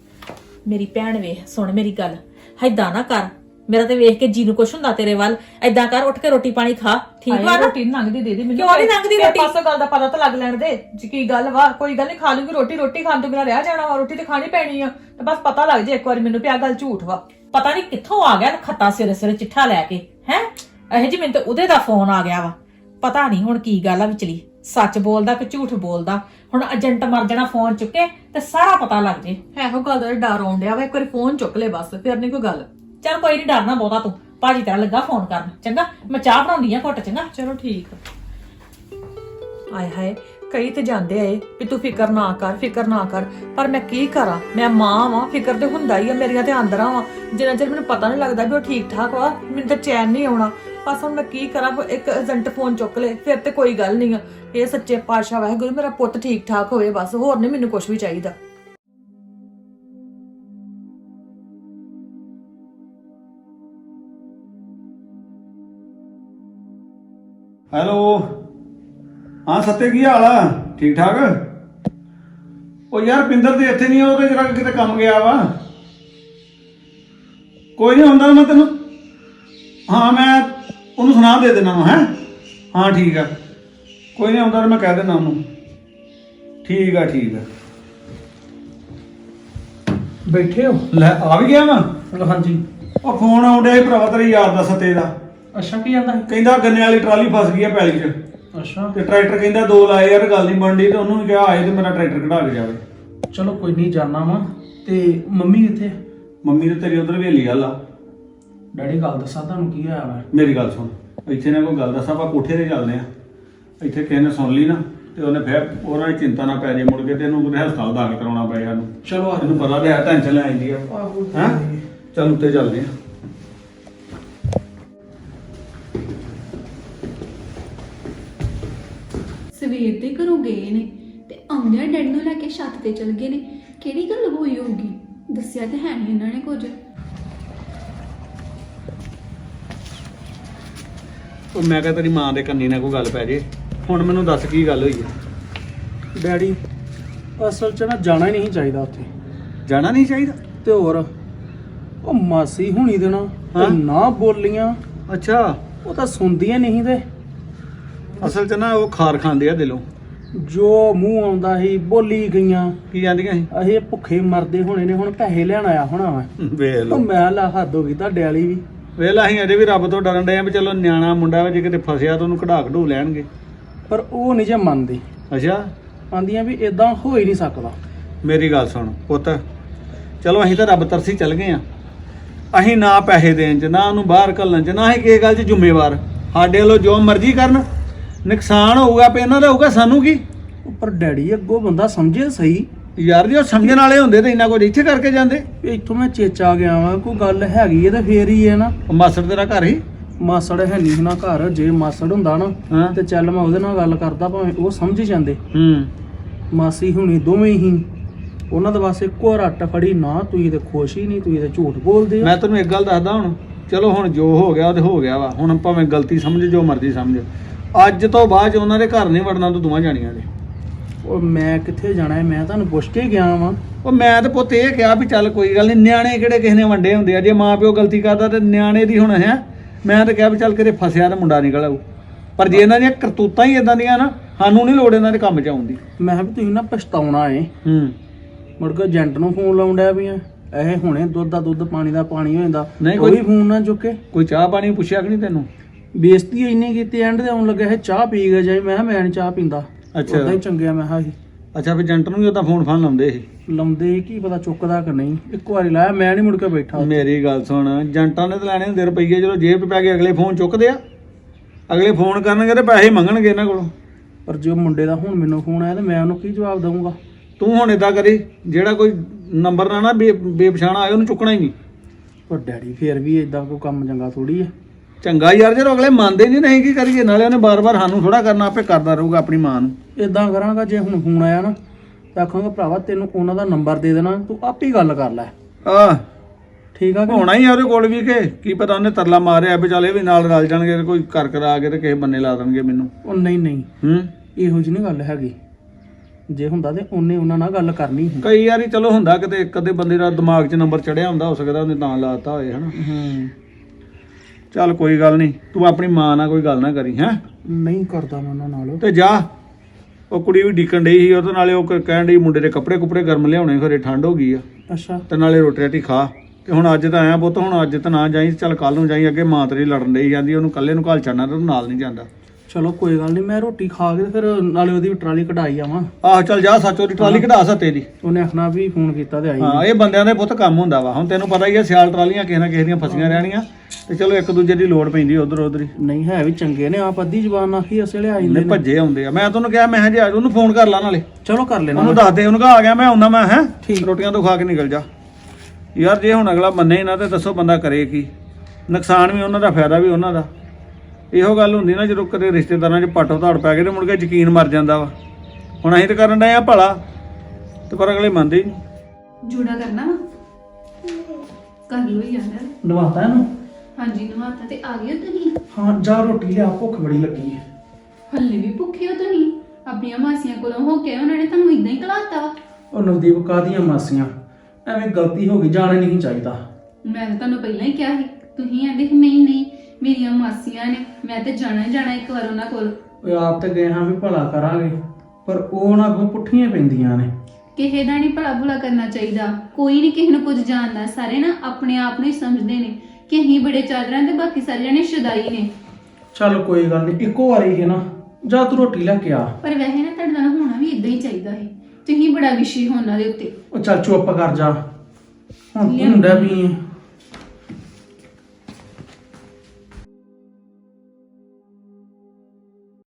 Speaker 3: ਮੇਰੀ ਭੈਣ ਵੇਖ ਸੁਣ ਮੇਰੀ ਗੱਲ ਏਦਾਂ ਨਾ ਕਰ ਮੇਰਾ ਤੇ ਵੇਖ ਕੇ ਜੀ ਨੂੰ ਕੁਛ ਹੁੰਦਾ ਤੇਰੇ ਵੱਲ ਏਦਾਂ ਕਰ ਉੱਠ ਕੇ ਰੋਟੀ ਪਾਣੀ ਖਾ ਠੀਕ ਵਾ ਨਾ।
Speaker 2: ਰੋਟੀ ਨੀ ਲੰਘਦੀ ਦੀਦੀ ਮੈਨੂੰ
Speaker 3: ਕਿਉਂ ਨੀ ਲੰਘਦੀ
Speaker 2: ਕਿਸੇ
Speaker 3: ਰੋਟੀ?
Speaker 2: ਪਾਸੋਂ ਗੱਲ ਦਾ ਪਤਾ ਤਾਂ ਲੱਗ ਲੈਣ ਦੇ ਜੀ ਕੀ ਗੱਲ ਵਾ ਕੋਈ ਗੱਲ ਨਹੀਂ ਖਾ ਲੂੰਗੀ ਰੋਟੀ ਰੋਟੀ ਖਾਣ ਤੋਂ ਬਿਨਾਂ ਰਹਿ ਜਾਣਾ ਵਾ ਰੋਟੀ ਤੇ ਖਾਣੀ ਪੈਣੀ ਆ ਤੇ ਬਸ ਪਤਾ ਲੱਗ ਜੇ ਇੱਕ ਵਾਰੀ ਮੈਨੂੰ ਵੀ ਆਹ ਗੱਲ ਝੂਠ ਵਾ।
Speaker 3: ਪਤਾ ਨਹੀਂ ਕਿੱਥੋਂ ਆ ਗਿਆ ਖੱਤਾ ਸਿਰੇ ਸਿਰੇ ਚਿੱਠਾ ਲੈ ਕੇ ਹੈ ਇਹ ਜੀ ਮੈਨੂੰ ਤੇ ਉਹਦੇ ਦਾ ਫੋਨ ਆ ਗਿਆ ਵਾ ਪਤਾ ਨਹੀਂ ਹੁਣ ਕੀ ਗੱਲ ਆ ਵਿਚਲੀ ਸੱਚ ਬੋਲਦਾ ਕਿ ਝੂਠ ਬੋਲਦਾ ਹੁਣ ਏਜੰਟ ਮਰ ਜਾਣਾ ਫੋਨ ਚੁੱਕੇ ਤੇ ਸਾਰਾ ਪਤਾ ਲੱਗ ਜੇ।
Speaker 2: ਇਹੋ ਗੱਲ ਦਾ ਡਰ ਆਉਣ ਡਿਆ ਵਾ ਇੱਕ ਵਾਰੀ ਫੋਨ ਚੁੱਕ ਲੈ ਬਸ ਫਿਰ ਨਹੀਂ ਕੋਈ ਗੱਲ।
Speaker 3: ਚੱਲ ਕੋਈ ਨਹੀਂ ਡਰਨਾ ਬਹੁਤਾ ਤੂੰ ਭਾਜੀ ਤੇਰਾ ਲੱਗਾ ਫੋਨ ਕਰਨ ਚੰਗਾ ਮੈਂ ਚਾਹ ਬਣਾਉਣੀ ਆ ਘੁੱਟ ਚੰਗਾ।
Speaker 2: ਚਲੋ ਠੀਕ ਆ। ਆਏ ਹਾਏ ਕਈ ਤੇ ਜਾਂਦੇ ਆਏ ਵੀ ਤੂੰ ਫਿਕਰ ਨਾ ਕਰ ਫਿਕਰ ਨਾ ਕਰ ਪਰ ਮੈਂ ਕੀ ਕਰਾਂ ਮੈਂ ਮਾਂ ਵਾਂ ਫਿਕਰ ਤੇ ਹੁੰਦਾ ਹੀ ਆ ਮੇਰੀਆਂ ਤੇ ਆਂਦਰਾਂ ਵਾਂ ਜਿੰਨਾ ਚਿਰ ਮੈਨੂੰ ਪਤਾ ਨਹੀਂ ਲੱਗਦਾ ਵੀ ਉਹ ਠੀਕ ਠਾਕ ਵਾ ਮੈਨੂੰ ਤਾਂ ਚੈਨ ਨਹੀਂ ਆਉਣਾ ਬਸ ਹੁਣ ਮੈਂ ਕੀ ਕਰਾਂ ਇੱਕ ਏਜੰਟ ਫੋਨ ਚੁੱਕ ਲੇ ਫਿਰ ਤੇ ਕੋਈ ਗੱਲ ਨਹੀਂ ਆ ਇਹ ਸੱਚੇ ਪਾਤਸ਼ਾਹ ਵਾਹਿਗੁਰੂ ਮੇਰਾ ਪੁੱਤ ਠੀਕ ਠਾਕ ਹੋਵੇ ਬਸ ਹੋਰ ਨਹੀਂ ਮੈਨੂੰ ਕੁਝ ਵੀ ਚਾਹੀਦਾ।
Speaker 4: ਹੈਲੋ ਹਾਂ ਸੱਤੇ ਕੀ ਹਾਲ ਆ ਠੀਕ ਠਾਕ। ਉਹ ਯਾਰ ਪਿੰਦਰ ਤੇ ਇੱਥੇ ਨਹੀਂ ਉਹ ਤੇ ਜਰਾ ਕਿਤੇ ਕੰਮ ਗਿਆ ਵਾ ਕੋਈ ਨਹੀਂ ਹੁੰਦਾ ਮੈਂ ਤੈਨੂੰ ਹਾਂ ਮੈਂ ਉਹਨੂੰ ਸੁਣਾ ਦੇ ਦੇਣਾ ਵਾ ਹੈ ਹਾਂ ਠੀਕ ਆ ਕੋਈ ਨਹੀਂ ਆਉਂਦਾ ਮੈਂ ਕਹਿ ਦੇਣਾ ਉਹਨੂੰ ਠੀਕ ਆ ਠੀਕ ਆ।
Speaker 1: ਬੈਠੇ ਹੋ?
Speaker 4: ਲੈ ਆ ਵੀ ਗਿਆ ਵਾ
Speaker 1: ਹਾਂਜੀ।
Speaker 4: ਉਹ ਫੋਨ ਆਉਂਦਾ ਸੀ ਭਰਾਵਾ ਤੇਰੇ ਯਾਰ ਦਾ ਸੱਤੇ ਦਾ
Speaker 1: ਅੱਛਾ ਕੀ ਜਾਂਦਾ
Speaker 4: ਕਹਿੰਦਾ ਗੰਨੇ ਵਾਲੀ ਟਰਾਲੀ ਫਸ ਗਈ ਆ ਪੈਲੀ 'ਚ
Speaker 1: ਅੱਛਾ
Speaker 4: ਤੇ ਟਰੈਕਟਰ ਕਹਿੰਦਾ ਦੋ ਲਾਏ ਯਾਰ ਗੱਲ ਨਹੀਂ ਬਣਦੀ ਤੇ ਉਹਨੂੰ ਕਿਹਾ ਆਏ ਤੇ ਮੇਰਾ ਟਰੈਕਟਰ ਕਢਾ ਕੇ ਜਾਵੇ।
Speaker 1: ਚਲੋ ਕੋਈ ਨਹੀਂ ਜਾਣਾ ਵਾ ਤੇ ਮੰਮੀ ਕਿੱਥੇ?
Speaker 4: ਮੰਮੀ ਤੇ ਤੇਰੀ ਉਧਰ ਵੇਲੀ ਗੱਲ ਆ।
Speaker 1: ਡੈਡੀ ਗੱਲ ਦੱਸਾਂ ਤੁਹਾਨੂੰ ਕੀ ਹੋਇਆ ਵਾ?
Speaker 4: ਮੇਰੀ ਗੱਲ ਸੁਣ ਇੱਥੇ ਨਾ ਕੋਈ ਗੱਲ ਦੱਸਾਂ ਆਪਾਂ ਕੋਠੇ ਤੇ ਚੱਲਦੇ ਆ ਇੱਥੇ ਕਿਸੇ ਨੇ ਸੁਣ ਲਈ ਨਾ ਤੇ ਉਹਨੇ ਫਿਰ ਉਹਨਾਂ ਦੀ ਚਿੰਤਾ ਨਾ ਪੈ ਜੇ ਮੁੜ ਕੇ ਤੇ ਇਹਨੂੰ ਕਿਤੇ ਹਸਪਤਾਲ ਦਾਖਲ ਕਰਾਉਣਾ ਪਏ ਸਾਨੂੰ।
Speaker 1: ਚਲੋ
Speaker 4: ਇਹਨੂੰ ਪਤਾ ਤੇ ਹੈ ਟੈਨਸ਼ਨ ਲੈ ਜਾਂਦੀ ਆ ਹੈਂ ਚੱਲ ਉੱਤੇ ਚੱਲਦੇ ਆ।
Speaker 7: ਸਵੇਰ ਦੇ ਘਰੋਂ ਗਏ ਨੇ ਤੇ ਆਉਂਦਿਆਂ ਡੈਡੀ ਨੂੰ ਲੈ ਕੇ ਛੱਤ ਤੇ ਚਲ ਗਏ ਨੇ ਕਿਹੜੀ ਗੱਲ ਹੋਈ ਹੋਊਗੀ ਦੱਸਿਆ ਤੇ ਹੈ ਨਹੀਂ ਇਹਨਾਂ ਨੇ ਕੁਝ।
Speaker 4: ਉਹ ਮੈਂ ਕਿਹਾ ਤੇਰੀ ਮਾਂ ਦੇ ਕੰਨੀ ਨਾਲ ਕੋਈ ਗੱਲ ਪੈ ਜੇ ਹੁਣ ਮੈਨੂੰ ਦੱਸ ਕੀ ਗੱਲ ਹੋਈ ਹੈ।
Speaker 1: ਡੈਡੀ ਅਸਲ 'ਚ ਨਾ ਜਾਣਾ ਹੀ ਨਹੀਂ ਚਾਹੀਦਾ ਉੱਥੇ।
Speaker 4: ਜਾਣਾ ਨਹੀਂ ਚਾਹੀਦਾ
Speaker 1: ਤੇ ਹੋਰ ਉਹ ਮਾਸੀ ਹੁਣੀ ਦੇ ਨਾ
Speaker 4: ਹਾਂ?
Speaker 1: ਨਾ ਬੋਲੀਆਂ
Speaker 4: ਅੱਛਾ
Speaker 1: ਉਹ ਤਾਂ ਸੁਣਦੀਆਂ ਨਹੀਂ ਤੇ
Speaker 8: ਅਸਲ 'ਚ ਨਾ ਉਹ ਖਾਰ ਖਾਂਦੇ ਆ ਦਿਲੋਂ।
Speaker 1: ਜੋ ਮੂੰਹ ਆਉਂਦਾ ਸੀ ਬੋਲੀ ਗਈਆਂ।
Speaker 8: ਕੀ ਜਾਂਦੀਆਂ ਸੀ?
Speaker 1: ਅਸੀਂ ਭੁੱਖੇ ਮਰਦੇ ਹੋਣੇ ਨੇ, ਹੁਣ ਪੈਸੇ ਲੈਣ ਆਇਆ ਹੋਣਾ ਵਾ।
Speaker 8: ਵੇਖ
Speaker 1: ਉਹ
Speaker 8: ਲਓ
Speaker 1: ਮੈਂ ਲਾ ਹੱਦ ਹੋ ਗਈ ਤੁਹਾਡੇ ਵਾਲੀ ਵੀ।
Speaker 8: ਵੇਖ ਲਾ, ਅਸੀਂ ਅਜੇ ਵੀ ਰੱਬ ਤੋਂ ਡਰਨ ਡਏ ਆ ਵੀ ਚਲੋ ਨਿਆਣਾ ਮੁੰਡਾ ਵਾ, ਜੇ ਕਿਤੇ ਫਸਿਆ ਤਾਂ ਉਹਨੂੰ ਕਢਾ ਕਢੂ ਲੈਣਗੇ।
Speaker 1: ਪਰ ਉਹ ਨਹੀਂ ਜੇ ਮੰਨਦੀ,
Speaker 8: ਅੱਛਾ,
Speaker 1: ਆਂਦੀਆਂ ਵੀ ਇਦਾਂ ਹੋ ਹੀ ਨਹੀਂ ਸਕਦਾ।
Speaker 8: ਮੇਰੀ ਗੱਲ ਸੁਣ ਪੁੱਤ, ਚਲੋ ਅਸੀਂ ਤਾਂ ਰੱਬ ਤਰਸੀ ਚੱਲ ਗਏ ਆ। ਅਸੀਂ ਨਾ ਪੈਸੇ ਦੇਣ 'ਚ, ਨਾ ਉਹਨੂੰ ਬਾਹਰ ਘੱਲਣ 'ਚ, ਨਾ ਅਸੀਂ ਕਿਸੇ ਗੱਲ 'ਚ ਜ਼ਿੰਮੇਵਾਰ। ਸਾਡੇ ਵੱਲੋਂ ਜੋ ਮਰਜ਼ੀ ਕਰਨ, ਨੁਕਸਾਨ ਹੋਊਗਾ ਪੇ ਇਹਨਾਂ ਦਾ ਹੋਊਗਾ, ਸਾਨੂੰ ਕੀ।
Speaker 1: ਪਰ ਡੈਡੀ ਅੱਗੋਂ ਬੰਦਾ ਸਮਝੇ ਸਹੀ
Speaker 8: ਯਾਰ ਜੇ ਉਹ ਸਮਝਣ ਵਾਲੇ ਹੁੰਦੇ ਤਾਂ ਇੰਨਾ ਕੁਝ ਇੱਥੇ ਕਰਕੇ ਜਾਂਦੇ।
Speaker 1: ਵੀ ਇੱਥੋਂ ਮੈਂ ਚੇਚਾ ਗਿਆ ਵਾਂ, ਕੋਈ ਗੱਲ ਹੈਗੀ ਹੈ ਤੇ ਫੇਰ ਹੀ ਹੈ ਨਾ।
Speaker 8: ਉਹ ਮਾਸੜ ਤੇਰਾ ਘਰ ਹੀ?
Speaker 1: ਮਾਸੜ ਹੈ ਨਹੀਂ ਨਾ ਘਰ। ਜੇ ਮਾਸੜ ਹੁੰਦਾ ਨਾ
Speaker 8: ਹਾਂ।
Speaker 1: ਤੇ ਚੱਲ ਮੈਂ ਉਹਦੇ ਨਾਲ ਗੱਲ ਕਰਦਾ, ਭਾਵੇਂ ਉਹ ਸਮਝ ਜਾਂਦੇ।
Speaker 8: ਹੂੰ।
Speaker 1: ਮਾਸੀ ਹੁਣੀ ਦੋਵੇਂ ਹੀ ਉਹਨਾਂ ਦੇ ਵਾਸਤੇ ਇੱਕੋ ਰੱਟ ਫੜੀ ਨਾ। ਤੁਸੀਂ ਤੇ ਖੁਸ਼ ਹੀ ਨਹੀਂ, ਤੁਸੀਂ ਤੇ ਝੂਠ ਬੋਲਦੇ ਹੋ।
Speaker 8: ਮੈਂ ਤੈਨੂੰ ਇੱਕ ਗੱਲ ਦੱਸਦਾ, ਹੁਣ ਚਲੋ ਹੁਣ ਜੋ ਹੋ ਗਿਆ ਉਹ ਤੇ ਹੋ ਗਿਆ ਵਾ। ਹੁਣ ਭਾਵੇਂ ਗਲਤੀ ਸਮਝ, ਜੋ ਮਰਜ਼ੀ ਸਮਝ, ਅੱਜ ਤੋਂ ਬਾਅਦ 'ਚ ਉਹਨਾਂ ਦੇ ਘਰ ਨਹੀਂ ਵੜਨਾ ਤੂੰ ਦੋਵਾਂ ਜਾਣੀਆਂ ਦੇ।
Speaker 1: ਉਹ ਮੈਂ ਕਿੱਥੇ ਜਾਣਾ ਹੈ, ਮੈਂ ਤੁਹਾਨੂੰ ਪੁੱਛ ਕੇ ਗਿਆ ਵਾਂ।
Speaker 8: ਉਹ ਮੈਂ ਤੇ ਪੁੱਤ ਇਹ ਕਿਹਾ ਵੀ ਚੱਲ ਕੋਈ ਗੱਲ ਨਹੀਂ, ਨਿਆਣੇ ਕਿਹੜੇ ਕਿਸੇ ਨੇ ਵੰਡੇ ਹੁੰਦੇ ਆ। ਜੇ ਮਾਂ ਪਿਓ ਗਲਤੀ ਕਰਦਾ ਤੇ ਨਿਆਣੇ ਦੀ ਹੁਣ ਹੈ। ਮੈਂ ਤਾਂ ਕਿਹਾ ਵੀ ਚੱਲ ਕਿਤੇ ਫਸਿਆ ਤਾਂ ਮੁੰਡਾ ਨਿਕਲ ਆਊ। ਪਰ ਜੇ ਇਹਨਾਂ ਦੀਆਂ ਕਰਤੂਤਾਂ ਹੀ ਇਦਾਂ ਦੀਆਂ ਨਾ, ਸਾਨੂੰ ਨਹੀਂ ਲੋੜ ਇਹਨਾਂ ਦੇ ਕੰਮ 'ਚ ਆਉਣ ਦੀ।
Speaker 1: ਮੈਂ ਕਿਹਾ ਵੀ ਤੁਸੀਂ ਨਾ ਪਛਤਾਉਣਾ ਏ।
Speaker 8: ਹੂੰ।
Speaker 1: ਮੁੜ ਕੇ ਏਜੰਟ ਨੂੰ ਫੋਨ ਲਾਉਣ ਡਿਆ ਵੀ ਆ, ਇਹ ਹੁਣੇ ਦੁੱਧ ਦਾ ਦੁੱਧ ਪਾਣੀ ਦਾ ਪਾਣੀ ਹੋ ਜਾਂਦਾ।
Speaker 8: ਨਹੀਂ
Speaker 1: ਕੋਈ
Speaker 8: ਕੋਈ-
Speaker 1: ਫੋਨ ਨਾ ਚੁੱਕੇ।
Speaker 8: ਕੋਈ ਚਾਹ ਪਾਣੀ ਪੁੱਛਿਆ ਕਿ ਨਹੀਂ ਤੈਨੂੰ?
Speaker 1: ਬੇਇੱਜ਼ਤੀ ਇੰਨੀ ਕੀਤੀ, ਐਂਡ ਤੇ ਆਉਣ ਲੱਗਾ ਇਹ ਚਾਹ ਪੀ ਗਿਆ ਜਾਈ। ਮੈਂ ਕਿਹਾ ਮੈਂ ਨਹੀਂ ਚਾਹ ਪੀਂਦਾ।
Speaker 8: ਅੱਛਾ।
Speaker 1: ਉਦਾਂ ਹੀ ਚੰਗਿਆ ਮੈਂ ਕਿਹਾ ਸੀ।
Speaker 8: ਅੱਛਾ, ਵੀ ਏਜੰਟ ਨੂੰ ਵੀ ਉਹਦਾ ਫੋਨ ਫਾਨ ਲਾਉਂਦੇ ਸੀ?
Speaker 1: ਲਾਉਂਦੇ ਕੀ ਪਤਾ ਚੁੱਕਦਾ ਕਿ ਨਹੀਂ। ਇੱਕ ਵਾਰੀ ਲਾਇਆ, ਮੈਂ ਨਹੀਂ ਮੁੜ ਕੇ ਬੈਠਾ ਉੱਥੇ।
Speaker 8: ਮੇਰੀ ਗੱਲ ਸੁਣ, ਏਜੰਟਾਂ ਨੇ ਤਾਂ ਲੈਣੇ ਹੁੰਦੇ ਰੁਪਈਏ, ਜਦੋਂ ਜੇਬ 'ਚ ਪੈ ਗਏ ਅਗਲੇ ਫੋਨ ਚੁੱਕਦੇ ਆ। ਅਗਲੇ ਫੋਨ ਕਰਨਗੇ ਤੇ ਪੈਸੇ ਮੰਗਣਗੇ ਇਹਨਾਂ ਕੋਲੋਂ।
Speaker 1: ਪਰ ਜੇ ਮੁੰਡੇ ਦਾ ਹੁਣ ਮੈਨੂੰ ਫੋਨ ਆਇਆ ਤੇ ਮੈਂ ਉਹਨੂੰ ਕੀ ਜਵਾਬ ਦਊਂਗਾ?
Speaker 8: ਤੂੰ ਹੁਣ ਏਦਾਂ ਕਰੀ, ਜਿਹੜਾ ਕੋਈ ਨੰਬਰ ਨਾ ਨਾ ਬੇ- ਬੇਪਛਾਣਾ ਆਏ ਉਹਨੂੰ ਚੁੱਕਣਾ ਹੀ ਨਹੀਂ।
Speaker 1: ਪਰ ਡੈਡੀ ਫੇਰ ਵੀ ਇਦਾਂ ਕੋਈ ਕੰਮ ਚੰਗਾ ਥੋੜੀ ਆ।
Speaker 8: ਚੰਗਾ ਯਾਰ, ਜਦੋਂ ਅਗਲੇ ਮੰਨਦੇ ਨਹੀਂ, ਨਹੀਂ ਕੀ ਕਰੀਏ? ਨਾਲੇ ਉਹਨੇ ਬਾਰ-ਬਾਰ ਸਾਨੂੰ ਥੋੜਾ ਕਰਨਾ, ਆਪੇ ਕਰਦਾ ਰਹੂਗਾ ਆਪਣੀ ਮਾਂ ਨੂੰ।
Speaker 1: ਇਦਾਂ ਕਰਾਂਗਾ, ਜੇ ਹੁਣ ਫੋਨ ਆਇਆ ਨਾ ਤਾਂ ਆਖਾਂਗਾ ਭਰਾਵਾ ਤੈਨੂੰ ਉਹਨਾਂ ਦਾ ਨੰਬਰ ਦੇ ਦੇਣਾ, ਤੂੰ ਆਪ ਹੀ ਗੱਲ ਕਰ ਲੈ।
Speaker 8: ਆਹ
Speaker 1: ਠੀਕ ਆ ਕਿ
Speaker 8: ਹੋਣਾ ਹੀ ਆ ਉਹਦੇ ਕੋਲ ਵੀ, ਕਿ ਕੀ ਪਤਾ ਉਹਨੇ ਤਰਲਾ ਮਾਰਿਆ ਵੀ ਚੱਲ ਇਹ ਵੀ ਨਾਲ ਰਲ ਜਾਣਗੇ ਤੇ ਕੋਈ ਕਰ ਕਰਾ ਕੇ ਤੇ ਕਿਸੇ ਬੰਨੇ ਲਾ ਦੇਣਗੇ ਮੈਨੂੰ।
Speaker 1: ਉਹ ਨਹੀਂ ਨਹੀਂ,
Speaker 8: ਹੂੰ।
Speaker 1: ਇਹੋ ਜਿਹੀ ਨਹੀਂ ਗੱਲ ਹੈਗੀ। ਜੇ ਹੁੰਦਾ ਤੇ ਉਹਨੇ ਉਹਨਾਂ ਨਾਲ ਗੱਲ ਕਰਨੀ ਸੀ।
Speaker 8: ਕਈ ਵਾਰੀ ਚਲੋ ਹੁੰਦਾ ਕਿਤੇ ਇੱਕ ਅੱਧੇ ਬੰਦੇ ਦਾ ਦਿਮਾਗ 'ਚ ਨੰਬਰ ਚੜਿਆ ਹੁੰਦਾ, ਹੋ ਸਕਦਾ ਉਹਨੇ ਤਾਂ ਲਾਤਾ ਹੋਏ ਹਨਾ।
Speaker 1: ਹੂੰ।
Speaker 8: ਚੱਲ ਕੋਈ ਗੱਲ ਨਹੀਂ, ਤੂੰ ਆਪਣੀ ਮਾਂ ਨਾਲ ਕੋਈ ਗੱਲ ਨਾ ਕਰੀ ਹੈਂ।
Speaker 1: ਨਹੀਂ ਕਰਦਾ ਮੈਂ ਉਹਨਾਂ ਨਾਲ।
Speaker 8: ਤੇ ਜਾ, ਉਹ ਕੁੜੀ ਵੀ ਡੀਕਣ ਡਈ ਸੀ, ਉਹਦੇ ਨਾਲੇ ਉਹ ਕ- ਕਹਿਣ ਡਈ ਮੁੰਡੇ ਦੇ ਕੱਪੜੇ ਕੁਪੜੇ ਗਰਮ ਲਿਆਉਣੇ, ਖਰੇ ਠੰਡ ਹੋ ਗਈ ਆ,
Speaker 1: ਅੱਛਾ।
Speaker 8: ਤੇ ਨਾਲੇ ਰੋਟੀ ਰਾਟੀ ਖਾ। ਤੇ ਹੁਣ ਅੱਜ ਤਾਂ ਆਇਆ ਪੁੱਤ, ਹੁਣ ਅੱਜ ਤਾਂ ਨਾ ਜਾਈ, ਚੱਲ ਕੱਲ ਨੂੰ ਜਾਈ। ਅੱਗੇ ਮਾਂ ਤੇਰੀ ਲੜਨ ਡਈ ਜਾਂਦੀ, ਉਹਨੂੰ ਕੱਲੇ ਨੂੰ ਘੱਲ ਛੱਡਣਾ ਤੇ ਉਹ ਨਾਲ ਨਹੀਂ ਜਾਂਦਾ।
Speaker 1: ਚਲੋ ਕੋਈ ਗੱਲ ਨਹੀਂ, ਮੈਂ ਰੋਟੀ ਖਾ ਕੇ ਤੇ ਫਿਰ ਨਾਲੇ ਉਹਦੀ ਵੀ ਟਰਾਲੀ ਕਢਾਈ ਆਵਾਂ।
Speaker 8: ਆਹ ਚੱਲ ਜਾ, ਸੱਚ ਉਹਦੀ ਟਰਾਲੀ ਕਢਾ ਸੱਤੇ ਦੀ।
Speaker 1: ਉਹਨੇ ਆਖਣਾ ਵੀ ਫੋਨ ਕੀਤਾ ਤੇ ਆਈ
Speaker 8: ਹਾਂ, ਇਹ ਬੰਦਿਆਂ ਦੇ ਪੁੱਤ ਕੰਮ ਹੁੰਦਾ ਵਾ। ਹੁਣ ਤੈਨੂੰ ਪਤਾ ਹੀ ਆ, ਸਿਆਲ ਟਰਾਲੀਆਂ ਕਿਸੇ ਨਾ ਕਿਸੇ ਦੀਆਂ ਫਸੀਆਂ ਰਹਿਣੀਆਂ, ਤੇ ਚਲੋ ਇੱਕ ਦੂਜੇ ਦੀ ਲੋੜ ਪੈਂਦੀ ਉਧਰ ਉਧਰ ਹੀ।
Speaker 1: ਨਹੀਂ ਹੈ ਵੀ ਚੰਗੇ ਨੇ, ਆਪ ਅੱਧੀ ਜ਼ਬਾਨ ਆਖੀ ਅਸੇ ਲਿਆ ਜਾਂਦੇ
Speaker 8: ਨੇ
Speaker 1: ਨੇ।
Speaker 8: ਭੱਜੇ ਆਉਂਦੇ ਆ। ਮੈਂ ਤੁਹਾਨੂੰ ਕਿਹਾ, ਮੈਂ ਕਿਹਾ ਜੇ ਆ ਜਾਓ, ਉਹਨੂੰ ਫੋਨ ਕਰ ਲਾ ਨਾਲੇ।
Speaker 1: ਚਲੋ ਕਰ ਲੈਣਾ।
Speaker 8: ਉਹਨੂੰ ਦੱਸ ਦੇ, ਉਹਨੂੰ ਕਹਾ ਆ ਗਿਆ ਮੈਂ ਆਉਣਾ, ਮੈਂ ਹੈ ਰੋਟੀਆਂ ਤੋਂ ਖਾ ਕੇ ਨਿਕਲ ਜਾ। ਯਾਰ ਜੇ ਹੁਣ ਅਗਲਾ ਮੰਨੇ ਹੀ ਨਾ ਤੇ ਦੱਸੋ ਬੰਦਾ ਕਰੇ ਕੀ? ਨੁਕਸਾਨ ਵੀ ਉਹਨਾਂ ਦਾ, ਫਾਇਦਾ ਵੀ ਉਹਨਾਂ ਦਾ। ਇਹੋ ਗੱਲ ਹੁੰਦੀ ਨਾ, ਜਦੋਂ ਕਦੇ ਰਿਸ਼ਤੇਦਾਰਾਂ 'ਚ ਪੱਟੋ ਧਾੜ ਪੈ ਗਏ ਤੇ ਮੁੜ ਕੇ ਯਕੀਨ ਮਰ ਜਾਂਦਾ ਵਾ। ਹੁਣ ਅਸੀਂ ਤਾਂ ਕਰਨ ਡਏ ਆ ਭਲਾ, ਤੇ ਪਰ ਅਗਲੇ ਮੰਨਦੇ ਹੀ ਨਹੀਂ।
Speaker 7: ਜੂੜਾ ਕਰਨਾ ਵਾ? ਕਰ ਲੋ ਯਾਰ।
Speaker 1: ਨਵਾਤਾ ਇਹਨੂੰ?
Speaker 7: ਹਾਂਜੀ ਨਵਾਤਾ ਤੇ ਆ ਗਏ ਹੋ ਤੁਸੀਂ?
Speaker 1: ਹਾਂ, ਜਾ ਰੋਟੀ ਲਿਆ, ਭੁੱਖ ਬੜੀ ਲੱਗੀ ਹੈ।
Speaker 7: ਹੱਲੇ ਵੀ ਭੁੱਖੇ ਹੋ ਤੁਸੀਂ? ਆਪਣੀਆਂ ਮਾਸੀਆਂ ਕੋਲੋਂ ਹੋ ਕੇ ਉਹਨਾਂ ਨੇ ਤੁਹਾਨੂੰ ਇਦਾਂ ਹੀ ਕਲਾਤਾ ਵਾ?
Speaker 1: ਉਹ ਨਵਦੀਪ ਕਾਹਦੀਆਂ ਮਾਸੀਆਂ, ਐਵੇਂ ਗਲਤੀ ਹੋ ਗਈ, ਜਾਣਾ ਨਹੀਂ ਚਾਹੀਦਾ।
Speaker 7: ਮੈਂ ਤਾਂ ਤੁਹਾਨੂੰ ਪਹਿਲਾਂ ਹੀ ਕਿਹਾ ਸੀ, ਤੁਸੀਂ ਆਂਦੇ ਸੀ ਨਹੀਂ ਨਹੀਂ ਮੇਰੀਆਂ ਮਾਸੀਆਂ ਨੇ, ਮੈਂ ਤੇ ਜਾਣਾ ਹੀ ਜਾਣਾ ਇੱਕ ਵਾਰ ਉਹਨਾਂ ਕੋਲ।
Speaker 1: ਉਹ ਆਪ ਤੇ ਗਏ ਹਾਂ ਵੀ ਭਲਾ ਕਰਾਂਗੇ, ਪਰ ਉਹ ਨਾ ਅੱਗੋਂ ਪੁੱਠੀਆਂ ਪੈਂਦੀਆਂ ਨੇ।
Speaker 7: ਕਿਸੇ ਦਾ ਨਹੀਂ ਭਲਾ ਭੁਲਾ ਕਰਨਾ ਚਾਹੀਦਾ। ਕੋਈ ਨਹੀਂ ਕਿਸੇ ਨੂੰ ਕੁਝ ਜਾਣਦਾ, ਸਾਰੇ ਨਾ ਆਪਣੇ ਆਪ ਨੂੰ ਹੀ ਸਮਝਦੇ ਨੇ ਕਿ ਅਸੀਂ ਬੜੇ ਚਾਦਰਾਂ ਤੇ ਬਾਕੀ ਸਾਰੇ ਜਣੇ ਸ਼ੁਦਾਈ ਨੇ।
Speaker 1: ਚੱਲ ਕੋਈ ਗੱਲ ਨਹੀਂ, ਇੱਕੋ ਵਾਰੀ ਹੈ ਨਾ, ਜਾ ਤੂੰ ਰੋਟੀ ਲੈ ਕੇ ਆ।
Speaker 7: ਪਰ ਵੈਸੇ ਨਾ ਤੁਹਾਡੇ ਨਾਲ ਹੋਣਾ ਵੀ ਇਦਾਂ ਹੀ ਚਾਹੀਦਾ ਹੈ। ਤੁਸੀਂ ਬੜਾ ਵਿਸ਼ੇ ਹੋ ਉਹਨਾਂ ਦੇ ਉੱਤੇ।
Speaker 1: ਉਹ ਚੱਲ ਚੁੱਪ ਕਰ ਜਾ, ਹੁਣ ਤੂੰ ਮੁੰਡਾ ਵੀ ਹੈ।